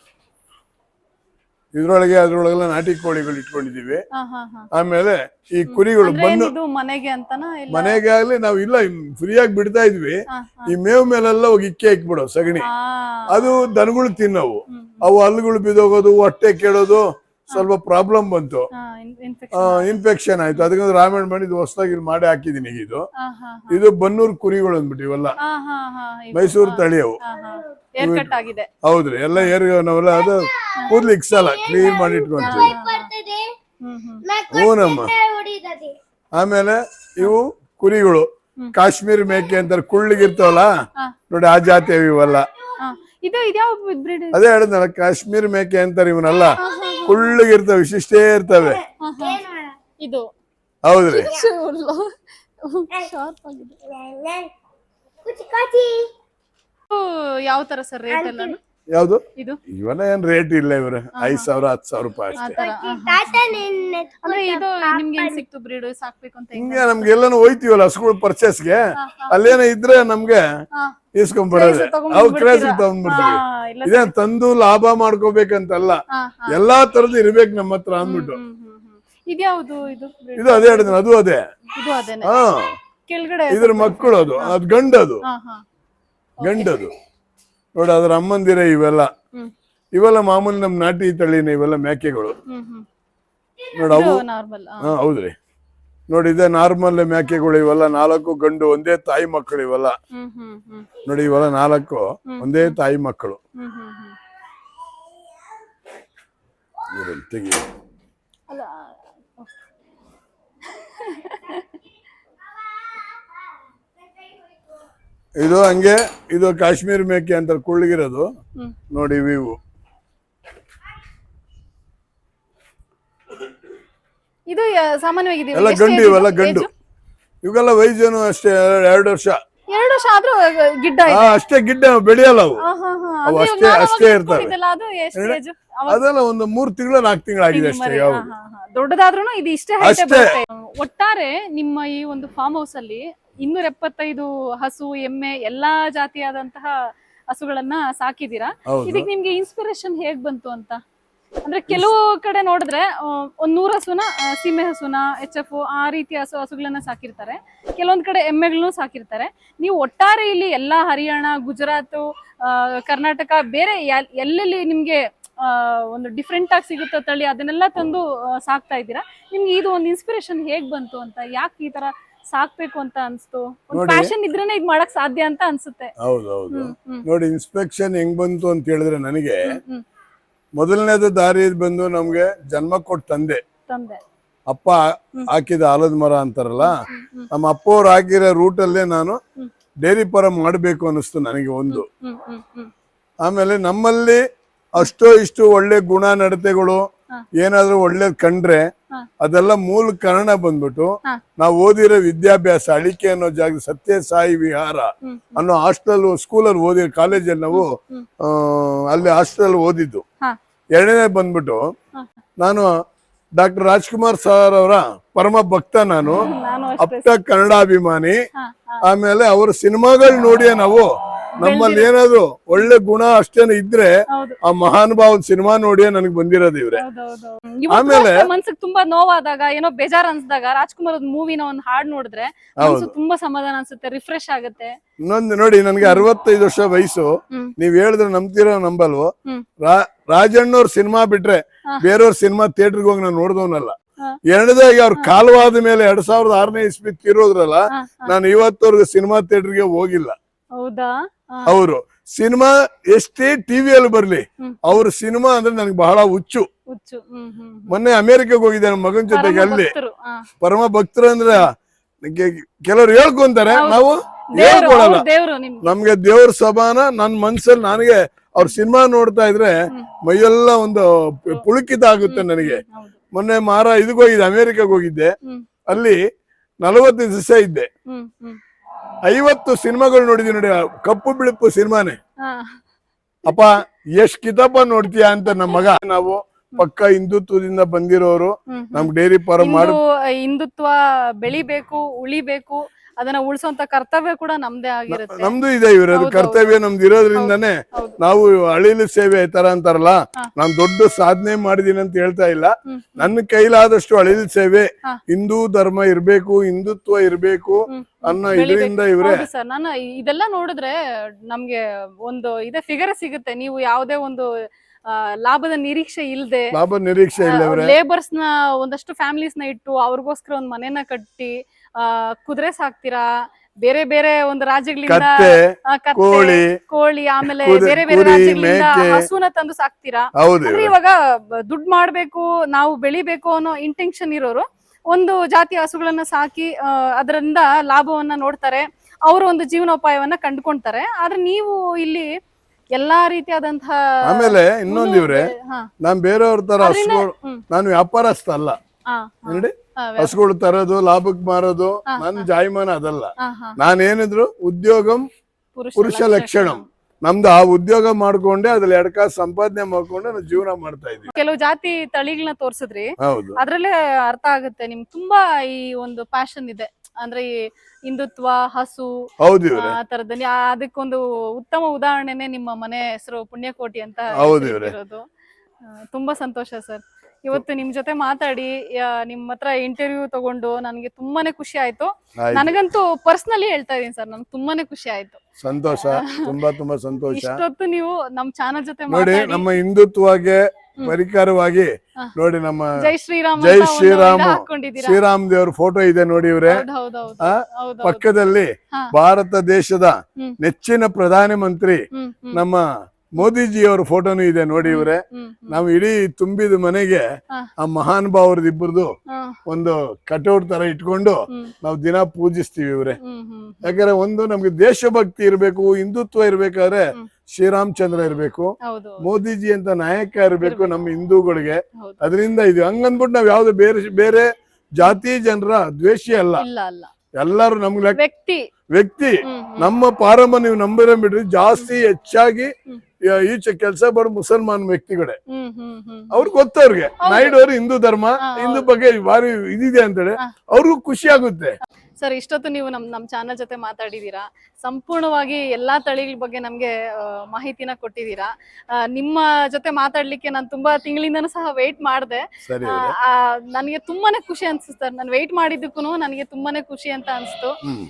[SPEAKER 2] ಇದ್ರೊಳಗೆ ಅದ್ರೊಳಗೆಲ್ಲ ನಾಟಿ ಕೋಳಿಗಳು ಇಟ್ಕೊಂಡಿದೀವಿ.
[SPEAKER 1] ಹಾ ಹಾ ಹಾ
[SPEAKER 2] ಆಮೇಲೆ ಈ ಕುರಿಗಳು
[SPEAKER 1] ಅಂದ್ರೆ
[SPEAKER 2] ಬಂದು
[SPEAKER 1] ಇದು ಮನೆಗೆ ಅಂತನಾ ಇಲ್ಲ?
[SPEAKER 2] ಮನೆಗೆ ಆಗ್ಲಿ ನಾವ್ ಇಲ್ಲ ಫ್ರೀಯಾಗಿ ಬಿಡ್ತಾ ಇದ್ವಿ.
[SPEAKER 1] ಹಾ
[SPEAKER 2] ಈ ಮೇವ್ ಮೇಲೆಲ್ಲ ಹೋಗಿ ಇಕ್ಕೆ ಇಕ್ಬಿಡೋ ಸಗಣಿ,
[SPEAKER 1] ಹಾ
[SPEAKER 2] ಅದು ದನಗಳು ತಿನ್ನವು. ಅವು ಹಲ್ಲುಗಳು ಬಿದೋಗೋದು, ಹೊಟ್ಟೆ ಕೇಳೋದು, ಸ್ವಲ್ಪ ಪ್ರಾಬ್ಲಮ್ ಬಂತು,
[SPEAKER 1] ಹಾ ಇನ್ಫೆಕ್ಷನ್.
[SPEAKER 2] ಇನ್ಫೆಕ್ಷನ್ ಆಯ್ತು. ಅದಕ್ಕೆ ರಾಮಾಯಣ ಮಾಡಿ ಇದು ಹೊಸದಾಗಿ ಮಾಡಿ ಹಾಕಿದೀನಿ. ಈಗ ಇದು
[SPEAKER 1] ಹಾ ಹಾ
[SPEAKER 2] ಇದು ಬನ್ನೂರು ಕುರಿಗಳು ಅಂದ್ಬಿಟ್ಟು ಇವೆಲ್ಲ
[SPEAKER 1] ಹಾ ಹಾ ಹಾ ಇವು.
[SPEAKER 2] ಮೈಸೂರು ತಳಿಯವು.
[SPEAKER 1] ಹಾ ಹಾ ಏರ್ ಕಟ್ ಆಗಿದೆ.
[SPEAKER 2] ಹೌದ್ರಿ, ಎಲ್ಲ ಏರ್ ನಾವೆಲ್ಲ ಅದು ಕೂದ್ಲು ಇಕ್ಸಲ್ಲ, ಕ್ಲೀನ್ ಮಾಡಿ ಇಟ್ಕೊಂತೀವಿ.
[SPEAKER 1] ಹ್ಮ್ ಹ್ಮ್
[SPEAKER 2] ಹೂನಮ್ಮ. ಆಮೇಲೆ ಇವು ಕುರಿಗಳು ಕಾಶ್ಮೀರ್ ಮೇಕೆ ಅಂತಾರೆ, ಕುಳ್ಳಿಗಿರ್ತಾವಲ್ಲ ನೋಡಿ, ಆ ಜಾತಿ ಇವೆಲ್ಲ.
[SPEAKER 1] ಹಾ ಇದು ಇದ್ಯಾವ ಬ್ರೀಡ್?
[SPEAKER 2] ಅದೇ ಹೇಳಿದ್ನಲ್ಲ, ಕಾಶ್ಮೀರ್ ಮೇಕೆ ಅಂತಾರೆ ಇವನ್ನೆಲ್ಲ. ಕುಳ್ಳಿಗಿರ್ತವೆ, ವಿಶಿಷ್ಟೇ ಇರ್ತವೆ.
[SPEAKER 1] ಇದು
[SPEAKER 2] ಹೌದ್ರಿ.
[SPEAKER 1] ಶಾರ್ಪ್ ಆಗಿದೆ. ಯಾವ ತರ ಸರ್ ರೇಟ್ ಎಲ್ಲ?
[SPEAKER 2] ಯಾವ್ದು
[SPEAKER 1] ಇದು
[SPEAKER 2] ಇವೆಲ್ಲ ಏನ್ ರೇಟ್ ಇಲ್ಲ ಇವ್ರೆ, ಐದ್ ಸಾವಿರ ಹತ್ತು ಸಾವಿರ ರೂಪಾಯಿ ಅಷ್ಟೇ.
[SPEAKER 1] ಆತರ. ಅಂದ್ರೆ ಇದು ನಿಮ್ಗೆ ಏನ್ ಸಿಕ್ತು ಬ್ರೀಡ್ ಸಾಕ್ಬೇಕು ಅಂತ?
[SPEAKER 2] ಹಿಂಗೆ ನಮ್ಗೆ ಎಲ್ಲಾನು ಹೋಯ್ತಿವಲ್ಲ ಹಸುಗಳು ಪರ್ಚೇಸ್ಗೆ, ಅಲ್ಲೇನೋ ಇದ್ರೆ ನಮ್ಗೆ ಇಸ್ಕೊಂಡ್ಬಿಡೋದೆ. ಅವು ಕ್ರೇಜ್ ತಗೊಂಡ್ಬಿಡ್ತೀವಿ. ಇದೇನ್ ತಂದು ಲಾಭ ಮಾಡ್ಕೋಬೇಕಂತಲ್ಲ, ಎಲ್ಲಾ ತರದ್ದು ಇರ್ಬೇಕು ನಮ್ಮ ಹತ್ರ ಅಂದ್ಬಿಟ್ಟು.
[SPEAKER 1] ಇದ್ಯಾವುದು ಇದು?
[SPEAKER 2] ಇದು ಅದೇ ಹೇಳಿದ್ರೆ, ಅದು ಅದೇ.
[SPEAKER 1] ಇದು ಅದೇನೆ.
[SPEAKER 2] ಹಾ
[SPEAKER 1] ಕೆಳಗಡೆ
[SPEAKER 2] ಇದ್ರ ಮಕ್ಕಳು, ಅದು ಅದ್ ಗಂಡದು.
[SPEAKER 1] ಹಾ ಹಾ
[SPEAKER 2] ಗಂಡದು ನೋಡಿ, ಅದ್ರ ಅಮ್ಮಂದಿರ ಇವೆಲ್ಲ.
[SPEAKER 1] ಹ್ಮ್
[SPEAKER 2] ಇವೆಲ್ಲ ಮಾಮೂಲಿ ನಮ್ ನಾಟಿ ತಳಿನ ಇವೆಲ್ಲ ಮೇಕೆಗಳು
[SPEAKER 1] ಹ್ಮ್ ಹ್ಮ್
[SPEAKER 2] ನೋಡಿ. ಅವು
[SPEAKER 1] ನಾರ್ಮಲ್.
[SPEAKER 2] ಹಾ ಹೌದ್ರಿ. ನೋಡಿ ಇದೇ ನಾರ್ಮಲ್ ಮೇಕೆಗಳು ಇವೆಲ್ಲ. ನಾಲ್ಕು ಗಂಡು, ಒಂದೇ ತಾಯಿ ಮಕ್ಕಳು ಇವೆಲ್ಲ.
[SPEAKER 1] ಹ್ಮ್ ಹ್ಮ್ ಹ್ಮ್
[SPEAKER 2] ನೋಡಿ ಇವೆಲ್ಲ ನಾಲ್ಕು ಒಂದೇ ತಾಯಿ ಮಕ್ಕಳು.
[SPEAKER 1] ಹ್ಮ್ ಹ್ಮ್ ಹ್ಮ್
[SPEAKER 2] ಇವ್ರಲ್ಲಿ ತೆಗಿ.
[SPEAKER 1] ಅಲ್ಲ
[SPEAKER 2] ಇದು ಹಂಗೆ, ಇದು ಕಾಶ್ಮೀರ್ ಮೇಕೆ ಅಂತ ಕುಳ್ಳಿಗಿರೋದು ನೋಡಿ. ಇವು
[SPEAKER 1] ಇದು ಸಾಮಾನ್ಯವಾಗಿ
[SPEAKER 2] ಎಲ್ಲ ಗಂಡು, ಇವೆಲ್ಲ ಗಂಡು. ಇವೆಲ್ಲ ವಯಸ್ಸೇನು ಅಷ್ಟೇ ಎರಡು ವರ್ಷ.
[SPEAKER 1] ಎರಡು ವರ್ಷ ಆದ್ರೂ ಗಿಡ್ಡ
[SPEAKER 2] ಹಾ ಅಷ್ಟೇ, ಗಿಡ್ಡ ಬೆಳೆಯಲ್ಲ ಅವು. ಅವು ಅಷ್ಟೇ ಅಷ್ಟೇ ಇರ್ತವೆ. ಅದೆಲ್ಲ ಒಂದು ಮೂರ್ ತಿಂಗಳು ನಾಲ್ಕು ತಿಂಗಳು ಆಗಿದೆ ಅಷ್ಟೇ. ಯಾವ್ದು
[SPEAKER 1] ದೊಡ್ಡದಾದ್ರೂ ಇದು ಇಷ್ಟೇ height ಬರುತ್ತೆ. ಒಟ್ಟಾರೆ ನಿಮ್ಮ ಈ ಒಂದು ಫಾರ್ಮ್ ಹೌಸ್ ಅಲ್ಲಿ ಇನ್ನೂರ ಎಪ್ಪತ್ತೈದು ಹಸು, ಎಮ್ಮೆ, ಎಲ್ಲಾ ಜಾತಿಯಾದಂತಹ ಹಸುಗಳನ್ನ ಸಾಕಿದೀರಾ. ಇದಕ್ಕೆ ನಿಮ್ಗೆ ಇನ್ಸ್ಪಿರೇಷನ್ ಹೇಗ್ ಬಂತು ಅಂತ? ಅಂದ್ರೆ ಕೆಲವು ಕಡೆ ನೋಡಿದ್ರೆ ಒಂದ್ ನೂರ್ ಹಸುನ ಸೀಮೆ ಹಸುನ, ಎಚ್ ಎಫ್ ಆ ರೀತಿ ಹಸು ಹಸುಗಳನ್ನ ಸಾಕಿರ್ತಾರೆ. ಕೆಲವೊಂದ್ ಕಡೆ ಎಮ್ಮೆಗಳನ್ನು ಸಾಕಿರ್ತಾರೆ. ನೀವು ಒಟ್ಟಾರೆ ಇಲ್ಲಿ ಎಲ್ಲಾ ಹರಿಯಾಣ, ಗುಜರಾತ್, ಕರ್ನಾಟಕ, ಬೇರೆ ಎಲ್ಲೆಲ್ಲಿ ನಿಮ್ಗೆ ಆ ಒಂದು ಡಿಫ್ರೆಂಟ್ ಆಗಿ ಸಿಗುತ್ತೋ ತಳಿ, ಅದನ್ನೆಲ್ಲ ತಂದು ಸಾಕ್ತಾ ಇದ್ದೀರಾ. ನಿಮ್ಗೆ ಇದು ಒಂದು ಇನ್ಸ್ಪಿರೇಷನ್ ಹೇಗ್ ಬಂತು ಅಂತ? ಯಾಕೆ ಈ ತರ ಸಾಕ್ಬೇಕು ಅಂತ ಅನ್ಸ್ತು? ಒಂದು ಪ್ಯಾಷನ್ ಇದ್ರೇನೆ ಇದ್ ಮಾಡಕ್ ಸಾಧ್ಯ ಅಂತ ಅನ್ಸುತ್ತೆ.
[SPEAKER 2] ಹೌದೌದು. ನೋಡಿ ಇನ್ಸ್ಪೆಕ್ಷನ್ ಹೆಂಗ್ ಬಂತು ಅಂತ ಹೇಳಿದ್ರೆ, ನನಗೆ ಮೊದಲನೇದು ದಾರಿ ಬಂದು ನಮ್ಗೆ ಜನ್ಮ ಕೊಟ್ಟ ತಂದೆ
[SPEAKER 1] ತಂದೆ
[SPEAKER 2] ಅಪ್ಪ ಹಾಕಿದ ಆಲದ ಮರ ಅಂತಾರಲ್ಲ, ನಮ್ಮ ಅಪ್ಪ ಅವ್ರು ಹಾಕಿರೋ ರೂಟ್ ಅಲ್ಲೇ ನಾನು ಡೈರಿ ಫಾರಂ ಮಾಡ್ಬೇಕು ಅನಿಸ್ತು ನನಗೆ ಒಂದು. ಆಮೇಲೆ ನಮ್ಮಲ್ಲಿ ಅಷ್ಟೋ ಇಷ್ಟು ಒಳ್ಳೆ ಗುಣ ನಡತೆಗಳು ಏನಾದ್ರೂ ಒಳ್ಳೇದ್ ಕಂಡ್ರೆ ಅದೆಲ್ಲ ಮೂಲ ಕಾರಣ ಬಂದ್ಬಿಟ್ಟು ನಾವು ಓದಿರೋ ವಿದ್ಯಾಭ್ಯಾಸ ಅಳಿಕೆ ಅನ್ನೋ ಜಾಗ ಸತ್ಯ ಸಾಯಿ ವಿಹಾರ ಅನ್ನೋ ಹಾಸ್ಟೆಲ್ ಸ್ಕೂಲಲ್ಲಿ ಓದಿ, ಕಾಲೇಜಲ್ಲಿ ನಾವು ಅಲ್ಲಿ ಹಾಸ್ಟೆಲ್ ಓದಿದ್ದು. ಎರಡನೇ ಬಂದ್ಬಿಟ್ಟು ನಾನು ಡಾಕ್ಟರ್ ರಾಜ್ಕುಮಾರ್ ಸರ್ ಅವರ ಪರಮ ಭಕ್ತ. ನಾನು ಅಪ್ಪ ಕನ್ನಡಾಭಿಮಾನಿ. ಆಮೇಲೆ ಅವ್ರ ಸಿನಿಮಾಗಳು ನೋಡಿಯೇ ನಾವು ನಮ್ಮಲ್ಲಿ ಏನಾದ್ರು ಒಳ್ಳೆ ಗುಣ ಅಷ್ಟೇನು ಇದ್ರೆ ಆ ಮಹಾನುಭಾವನ್ ಸಿನಿಮಾ ನೋಡಿಯೇ ನನಗೆ ಬಂದಿರೋದು ಇವ್ರೆ.
[SPEAKER 1] ಆಮೇಲೆ ಮನ್ಸಿಗೆ ತುಂಬಾ ನೋವಾದಾಗ, ಏನೋ ಬೇಜಾರ್ ಅನ್ಸ್ದಾಗ ರಾಜ್ಕುಮಾರ್ ಮೂವಿನ ಒಂದ್ ಹಾಡ್ ನೋಡಿದ್ರೆ ತುಂಬಾ ಸಮಾಧಾನ ಅನ್ಸುತ್ತೆ, ರಿಫ್ರೆಶ್ ಆಗುತ್ತೆ.
[SPEAKER 2] ಇನ್ನೊಂದು ನೋಡಿ, ನನ್ಗೆ ಅರವತ್ತೈದು ವರ್ಷ ವಯಸ್ಸು. ನೀವ್ ಹೇಳಿದ್ರೆ ನಂಬ್ತಿರೋ ನಂಬಲ್ವೋ, ರಾಜಣ್ಣವ್ರ ಸಿನಿಮಾ ಬಿಟ್ರೆ ಬೇರೆಯವ್ರ ಸಿನಿಮಾ ಥಿಯೇಟರ್ಗೆ ಹೋಗಿ ನಾನು ನೋಡ್ದವನಲ್ಲ. ಎರಡನೇದಾಗಿ ಅವ್ರ ಕಾಲವಾದ ಮೇಲೆ ಎರಡ್ ಸಾವಿರದ ಆರನೇ ಇಸ್ವಿ ತೀರೋದ್ರಲ್ಲ, ನಾನು ಇವತ್ತವರೆಗೂ ಸಿನಿಮಾ ಥಿಯೇಟರ್ಗೆ ಹೋಗಿಲ್ಲ.
[SPEAKER 1] ಹೌದಾ?
[SPEAKER 2] ಅವರು ಸಿನಿಮಾ ಎಷ್ಟೇ ಟಿವಿಯಲ್ಲಿ ಬರ್ಲಿ, ಅವ್ರ ಸಿನಿಮಾ ಅಂದ್ರೆ ನನಗೆ ಬಹಳ ಹುಚ್ಚು. ಮೊನ್ನೆ ಅಮೆರಿಕಕ್ಕೆ ಹೋಗಿದ್ದೆ ನಮ್ಮ ಮಗನ ಜೊತೆಗೆ. ಅಲ್ಲಿ ಪರಮ ಭಕ್ತರು ಅಂದ್ರೆ ಕೆಲವ್ರು ಹೇಳ್ಕೊಂತಾರೆ, ನಾವು ಹೇಳ್ಕೊಳಲ್ಲ. ನಮ್ಗೆ ದೇವ್ರ ಸಭಾನ ನನ್ ಮನ್ಸಲ್ಲಿ ನನಗೆ ಅವ್ರ ಸಿನಿಮಾ ನೋಡ್ತಾ ಇದ್ರೆ ಮೈಯೆಲ್ಲ ಒಂದು ಪುಳುಕಿತ ಆಗುತ್ತೆ ನನಗೆ. ಮೊನ್ನೆ ಮಾರ ಇದಕ್ಕೆ ಹೋಗಿದ್ದೆ, ಅಮೆರಿಕಕ್ಕೆ ಹೋಗಿದ್ದೆ. ಅಲ್ಲಿ ನಲವತ್ತು ದಿವಸ ಇದ್ದೆ. ಐವತ್ತು ಸಿನಿಮಾಗಳು ನೋಡಿದೀನಿ ನೋಡಿ, ಕಪ್ಪು ಬಿಳುಪು ಸಿನಿಮಾನೇ. ಅಪ್ಪ ಎಷ್ಟ್ ಕಿತಾಪ ನೋಡ್ತೀಯ ಅಂತ ನಮ್ಮ ಮಗ. ನಾವು ಪಕ್ಕ ಹಿಂದುತ್ವದಿಂದ ಬಂದಿರೋರು, ನಮ್ ಡೈರಿ ಫಾರ್ಮ್ ಮಾಡು.
[SPEAKER 1] ಹಿಂದುತ್ವ ಬೆಳಿಬೇಕು, ಉಳಿಬೇಕು, ಅದನ್ನ ಉಳಿಸುವಂತ ಕರ್ತವ್ಯ ಕೂಡ ನಮ್ದೇ ಆಗಿರುತ್ತೆ.
[SPEAKER 2] ನಮ್ದು ಇದೆ ಇರೋದು ಕರ್ತವ್ಯ ನಮ್ದು ಇರೋದ್ರಿಂದಾನೇ ನಾವು ಅಳಿಲು ಸೇವೆ ತರ ಅಂತಾರಲ್ಲ, ನಾನ್ ದೊಡ್ಡ ಸಾಧನೆ ಮಾಡಿದೀನಿ ಅಂತ ಹೇಳ್ತಾ ಇಲ್ಲ. ನನ್ನ ಕೈಲಾದಷ್ಟು ಅಳಿಲು ಸೇವೆ, ಹಿಂದೂ ಧರ್ಮ ಇರ್ಬೇಕು, ಹಿಂದುತ್ವ ಇರ್ಬೇಕು ಅನ್ನೋ ಇದರಿಂದ ಇವ್ರೆ.
[SPEAKER 1] ಸರ್, ನಾನು ಇದೆಲ್ಲ ನೋಡಿದ್ರೆ ನಮ್ಗೆ ಒಂದು ಇದೇ ಫಿಗರ್ ಸಿಗುತ್ತೆ. ನೀವು ಯಾವುದೇ ಒಂದು ಲಾಭದ ನಿರೀಕ್ಷೆ ಇಲ್ಲದೆ,
[SPEAKER 2] ಲಾಭ ನಿರೀಕ್ಷೆ ಇಲ್ಲ,
[SPEAKER 1] ಲೇಬರ್ಸ್ ನ ಒಂದಷ್ಟು ಫ್ಯಾಮಿಲೀಸ್ ನ ಇಟ್ಟು ಅವ್ರಿಗೋಸ್ಕರ ಒಂದ್ ಮನೆನ ಕಟ್ಟಿ ಆ ಕುದುರೆ ಸಾಕ್ತೀರಾ, ಬೇರೆ ಬೇರೆ ಒಂದು ರಾಜ್ಯಗಳಿಂದ ಕೋಳಿ ಕೋಳಿ ಆಮೇಲೆ ಬೇರೆ ಬೇರೆ ರಾಜ್ಯಗಳಿಂದ ಹಸುನ ತಂದು ಸಾಕ್ತೀರಾ. ಅಂದ್ರೆ ಇವಾಗ ದುಡ್ಡು ಮಾಡ್ಬೇಕು, ನಾವು ಬೆಳಿಬೇಕು ಅನ್ನೋ ಇಂಟೆನ್ಷನ್ ಇರೋರು ಒಂದು ಜಾತಿ ಹಸುಗಳನ್ನ ಸಾಕಿ ಅದರಿಂದ ಲಾಭವನ್ನ ನೋಡ್ತಾರೆ, ಅವರು ಒಂದು ಜೀವನೋಪಾಯವನ್ನ ಕಂಡುಕೊಂತಾರೆ. ಆದ್ರೆ ನೀವು ಇಲ್ಲಿ ಎಲ್ಲಾ ರೀತಿಯಾದಂತಹ
[SPEAKER 2] ಆಮೇಲೆ ಇನ್ನೊಂದ್ ಇವ್ರೆ, ನಾನ್ ಬೇರೆಯವ್ರ ತರ ಹಸುಗಳು, ನಾನು ವ್ಯಾಪಾರಸ್ಥ ಅಲ್ಲ ನೋಡಿ. ಹಸುಗಳು ತರೋದು, ಲಾಭಕ್ ಮಾರೋದು ನನ್ ಜಾಯಮಾನ ಅದಲ್ಲ. ನಾನೇನಿದ್ರು ಉದ್ಯೋಗಂ ಪುರುಷ ಲಕ್ಷಣಂ. ನಮ್ದು ಆ ಉದ್ಯೋಗ ಮಾಡ್ಕೊಂಡೆ ಅದ್ರಲ್ಲಿ ಎರಡ್ ಕಾಸು ಸಂಪಾದನೆ ಮಾಡ್ಕೊಂಡೆ ನಾವು ಜೀವನ ಮಾಡ್ತಾ ಇದ್ವಿ.
[SPEAKER 1] ಕೆಲವು ಜಾತಿ ತಳಿಗಳನ್ನ ತೋರ್ಸಿದ್ರಿ,
[SPEAKER 2] ಹೌದು,
[SPEAKER 1] ಅದ್ರಲ್ಲೇ ಅರ್ಥ ಆಗುತ್ತೆ ನಿಮ್ಗೆ ತುಂಬಾ ಈ ಒಂದು ಪ್ಯಾಷನ್ ಇದೆ. ಅಂದ್ರೆ ಈ ಹಿಂದುತ್ವ, ಹಸು,
[SPEAKER 2] ಹೌದು,
[SPEAKER 1] ಆ ತರದ. ಅದಕ್ಕೊಂದು ಉತ್ತಮ ಉದಾಹರಣೆನೆ ನಿಮ್ಮ ಮನೆ ಹೆಸರು ಪುಣ್ಯಕೋಟಿ ಅಂತ ಇರೋದು. ತುಂಬಾ ಸಂತೋಷ ಸರ್, ಇವತ್ತು ನಿಮ್ ಜೊತೆ ಮಾತಾಡಿ ನಿಮ್ ಹತ್ರ ಇಂಟರ್ವ್ಯೂ ತಗೊಂಡು ನನಗೆ ತುಂಬಾನೇ ಖುಷಿ ಆಯ್ತು. ನನಗಂತೂ ಪರ್ಸನಲಿ ಹೇಳ್ತಾ ಇದೀನಿ ಸರ್, ನನ್ಗೆ ತುಂಬಾನೇ ಖುಷಿ ಆಯ್ತು.
[SPEAKER 2] ಸಂತೋಷ, ತುಂಬಾ ತುಂಬಾ ಸಂತೋಷ.
[SPEAKER 1] ಇಷ್ಟೊತ್ತು ನೀವು ನಮ್ ಚಾನಲ್ ಜೊತೆ
[SPEAKER 2] ನೋಡಿ, ನಮ್ಮ ಹಿಂದುತ್ವಗೆ ಪರಿಕರವಾಗಿ ನೋಡಿ ನಮ್ಮ
[SPEAKER 1] ಜೈ ಶ್ರೀರಾಮ್
[SPEAKER 2] ಜೈ ಶ್ರೀರಾಮ್ ಶ್ರೀರಾಮ್ ದೇವ್ರ ಫೋಟೋ ಇದೆ ನೋಡಿ. ಇವ್ರೆ ಪಕ್ಕದಲ್ಲಿ ಭಾರತ ದೇಶದ ನೆಚ್ಚಿನ ಪ್ರಧಾನ ಮಂತ್ರಿ ನಮ್ಮ ಮೋದಿಜಿಯವರ ಫೋಟೋನು ಇದೆ ನೋಡಿ. ಇವ್ರೆ ನಾವು ಇಡೀ ತುಂಬಿದ ಮನೆಗೆ ಆ ಮಹಾನ್ ಭಾವರದ್ದು ಇಬ್ಬರದು ಒಂದು ಕಟೌಟ್ ತರ ಇಟ್ಕೊಂಡು ನಾವು ದಿನ ಪೂಜಿಸ್ತೀವಿ ಇವ್ರೆ. ಯಾಕಂದ್ರೆ ಒಂದು ನಮ್ಗೆ ದೇಶಭಕ್ತಿ ಇರ್ಬೇಕು, ಹಿಂದುತ್ವ ಇರ್ಬೇಕಾದ್ರೆ ಶ್ರೀರಾಮಚಂದ್ರ ಇರ್ಬೇಕು, ಮೋದಿಜಿ ಅಂತ ನಾಯಕ ಇರ್ಬೇಕು ನಮ್ಮ ಹಿಂದೂಗಳಿಗೆ. ಅದರಿಂದ ಇದು ಹಂಗಂದ್ಬಿಟ್ಟು ನಾವ್ ಯಾವ್ದು ಬೇರೆ ಬೇರೆ ಜಾತಿ ಜನರ ದ್ವೇಷಿ ಅಲ್ಲ. ಎಲ್ಲಾರು ನಮ್ಗೆ
[SPEAKER 1] ವ್ಯಕ್ತಿ
[SPEAKER 2] ವ್ಯಕ್ತಿ ನಮ್ಮ ಪಾರಮ್ಮ ನೀವು ನಂಬಿರ ಬಿಡ್ರಿ, ಜಾಸ್ತಿ ಹೆಚ್ಚಾಗಿ ಈಚೆ ಕೆಲಸ ಬರೋ ಮುಸಲ್ಮಾನ್ ವ್ಯಕ್ತಿಗಳೇ. ಅವ್ರಿಗೆ ಗೊತ್ತವ್ರಿಗೆ ನಾಯ್ಡು ಅವರು ಹಿಂದೂ ಧರ್ಮ, ಹಿಂದೂ ಬಗ್ಗೆ ಭಾರಿ ಇದಿದೆ ಅಂತೇಳಿ ಅವ್ರಿಗೂ ಖುಷಿ ಆಗುತ್ತೆ.
[SPEAKER 1] ಸರ್, ಇಷ್ಟೊತ್ತು ನೀವು ನಮ್ ನಮ್ ಚಾನಲ್ ಜೊತೆ ಮಾತಾಡಿದೀರಾ, ಸಂಪೂರ್ಣವಾಗಿ ಎಲ್ಲಾ ತಳಿಗಳ ಬಗ್ಗೆ ನಮ್ಗೆ ಮಾಹಿತಿನ ಕೊಟ್ಟಿದ್ದೀರಾ. ನಿಮ್ಮ ಜೊತೆ ಮಾತಾಡ್ಲಿಕ್ಕೆ ನಾನು ತುಂಬಾ ತಿಂಗಳಿಂದನೂ ಸಹ ವೇಟ್ ಮಾಡಿದೆ. ನನಗೆ ತುಂಬಾನೇ ಖುಷಿ ಅನ್ಸುತ್ತೆ ಸರ್, ನಾನು ವೇಟ್ ಮಾಡಿದ್ದಕ್ಕೂ ನನಗೆ ತುಂಬಾನೇ ಖುಷಿ ಅಂತ ಅನ್ಸ್ತು.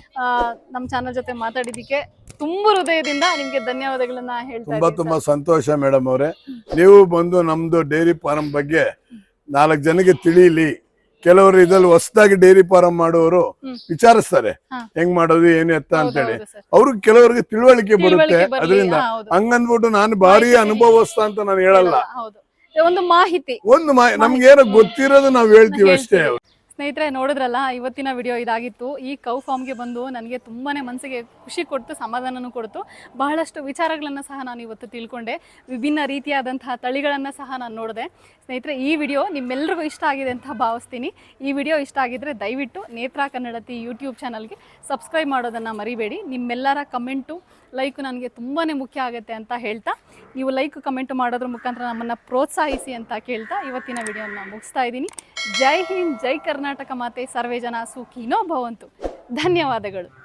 [SPEAKER 1] ನಮ್ ಚಾನಲ್ ಜೊತೆ ಮಾತಾಡಿದಕ್ಕೆ ತುಂಬಾ ಹೃದಯದಿಂದ ನಿಮ್ಗೆ ಧನ್ಯವಾದಗಳನ್ನ ಹೇಳ್ತಾ
[SPEAKER 2] ತುಂಬಾ ತುಂಬಾ ಸಂತೋಷ ಮೇಡಮ್ ಅವರೇ. ನೀವು ಬಂದು ನಮ್ದು ಡೈರಿ ಫಾರ್ಮ್ ಬಗ್ಗೆ ನಾಲ್ಕು ಜನಕ್ಕೆ ತಿಳಿಲಿ. ಕೆಲವರು ಇದ್ರಲ್ಲಿ ಹೊಸದಾಗಿ ಡೈರಿ ಫಾರ್ಮ್ ಮಾಡುವವರು ವಿಚಾರಿಸ್ತಾರೆ ಹೆಂಗ್ ಮಾಡೋದು ಏನು ಎತ್ತ ಅಂತೇಳಿ, ಅವ್ರಿಗೆ ಕೆಲವರಿಗೆ ತಿಳುವಳಿಕೆ ಬರುತ್ತೆ. ಅದರಿಂದ ಹಂಗಂದ್ಬಿಟ್ಟು ನಾನು ಭಾರಿ ಅನುಭವಸ್ಥ ಅಂತ ನಾನು ಹೇಳಲ್ಲ.
[SPEAKER 1] ಒಂದು ಮಾಹಿತಿ
[SPEAKER 2] ಒಂದು ನಮ್ಗೆ ಏನೋ ಗೊತ್ತಿರೋದು ನಾವ್ ಹೇಳ್ತೀವಿ ಅಷ್ಟೇ.
[SPEAKER 1] ಸ್ನೇಹಿತರೆ, ನೋಡಿದ್ರಲ್ಲ, ಇವತ್ತಿನ ವಿಡಿಯೋ ಇದಾಗಿತ್ತು. ಈ ಕೌ ಫಾರ್ಮ್ಗೆ ಬಂದು ನನಗೆ ತುಂಬಾನೇ ಮನಸ್ಸಿಗೆ ಖುಷಿ ಕೊಡ್ತು, ಸಮಾಧಾನನೂ ಕೊಡ್ತು. ಬಹಳಷ್ಟು ವಿಚಾರಗಳನ್ನು ಸಹ ನಾನು ಇವತ್ತು ತಿಳ್ಕೊಂಡೆ, ವಿಭಿನ್ನ ರೀತಿಯಾದಂತಹ ತಳಿಗಳನ್ನು ಸಹ ನಾನು ನೋಡಿದೆ. ಸ್ನೇಹಿತರೆ, ಈ ವಿಡಿಯೋ ನಿಮ್ಮೆಲ್ಲರಿಗೂ ಇಷ್ಟ ಆಗಿದೆ ಅಂತ ಭಾವಿಸ್ತೀನಿ. ಈ ವಿಡಿಯೋ ಇಷ್ಟ ಆಗಿದ್ರೆ ದಯವಿಟ್ಟು ನೇತ್ರಾ ಕನ್ನಡತಿ ಯೂಟ್ಯೂಬ್ ಚಾನಲ್ಗೆ ಸಬ್ಸ್ಕ್ರೈಬ್ ಮಾಡೋದನ್ನು ಮರಿಬೇಡಿ. ನಿಮ್ಮೆಲ್ಲರ ಕಮೆಂಟು, ಲೈಕು ನನಗೆ ತುಂಬಾ ಮುಖ್ಯ ಆಗುತ್ತೆ ಅಂತ ಹೇಳ್ತಾ, ನೀವು ಲೈಕ್ ಕಮೆಂಟ್ ಮಾಡೋದ್ರ ಮುಖಾಂತರ ನಮ್ಮನ್ನು ಪ್ರೋತ್ಸಾಹಿಸಿ ಅಂತ ಕೇಳ್ತಾ ಇವತ್ತಿನ ವಿಡಿಯೋನ ಮುಗಿಸ್ತಾ ಇದ್ದೀನಿ. ಜೈ ಹಿಂದ್, ಜೈ ಕರ್ನಾಟಕ ಮಾತೆ, ಸರ್ವೇ ಜನ ಸುಖಿನೋ ಭವಂತು. ಧನ್ಯವಾದಗಳು.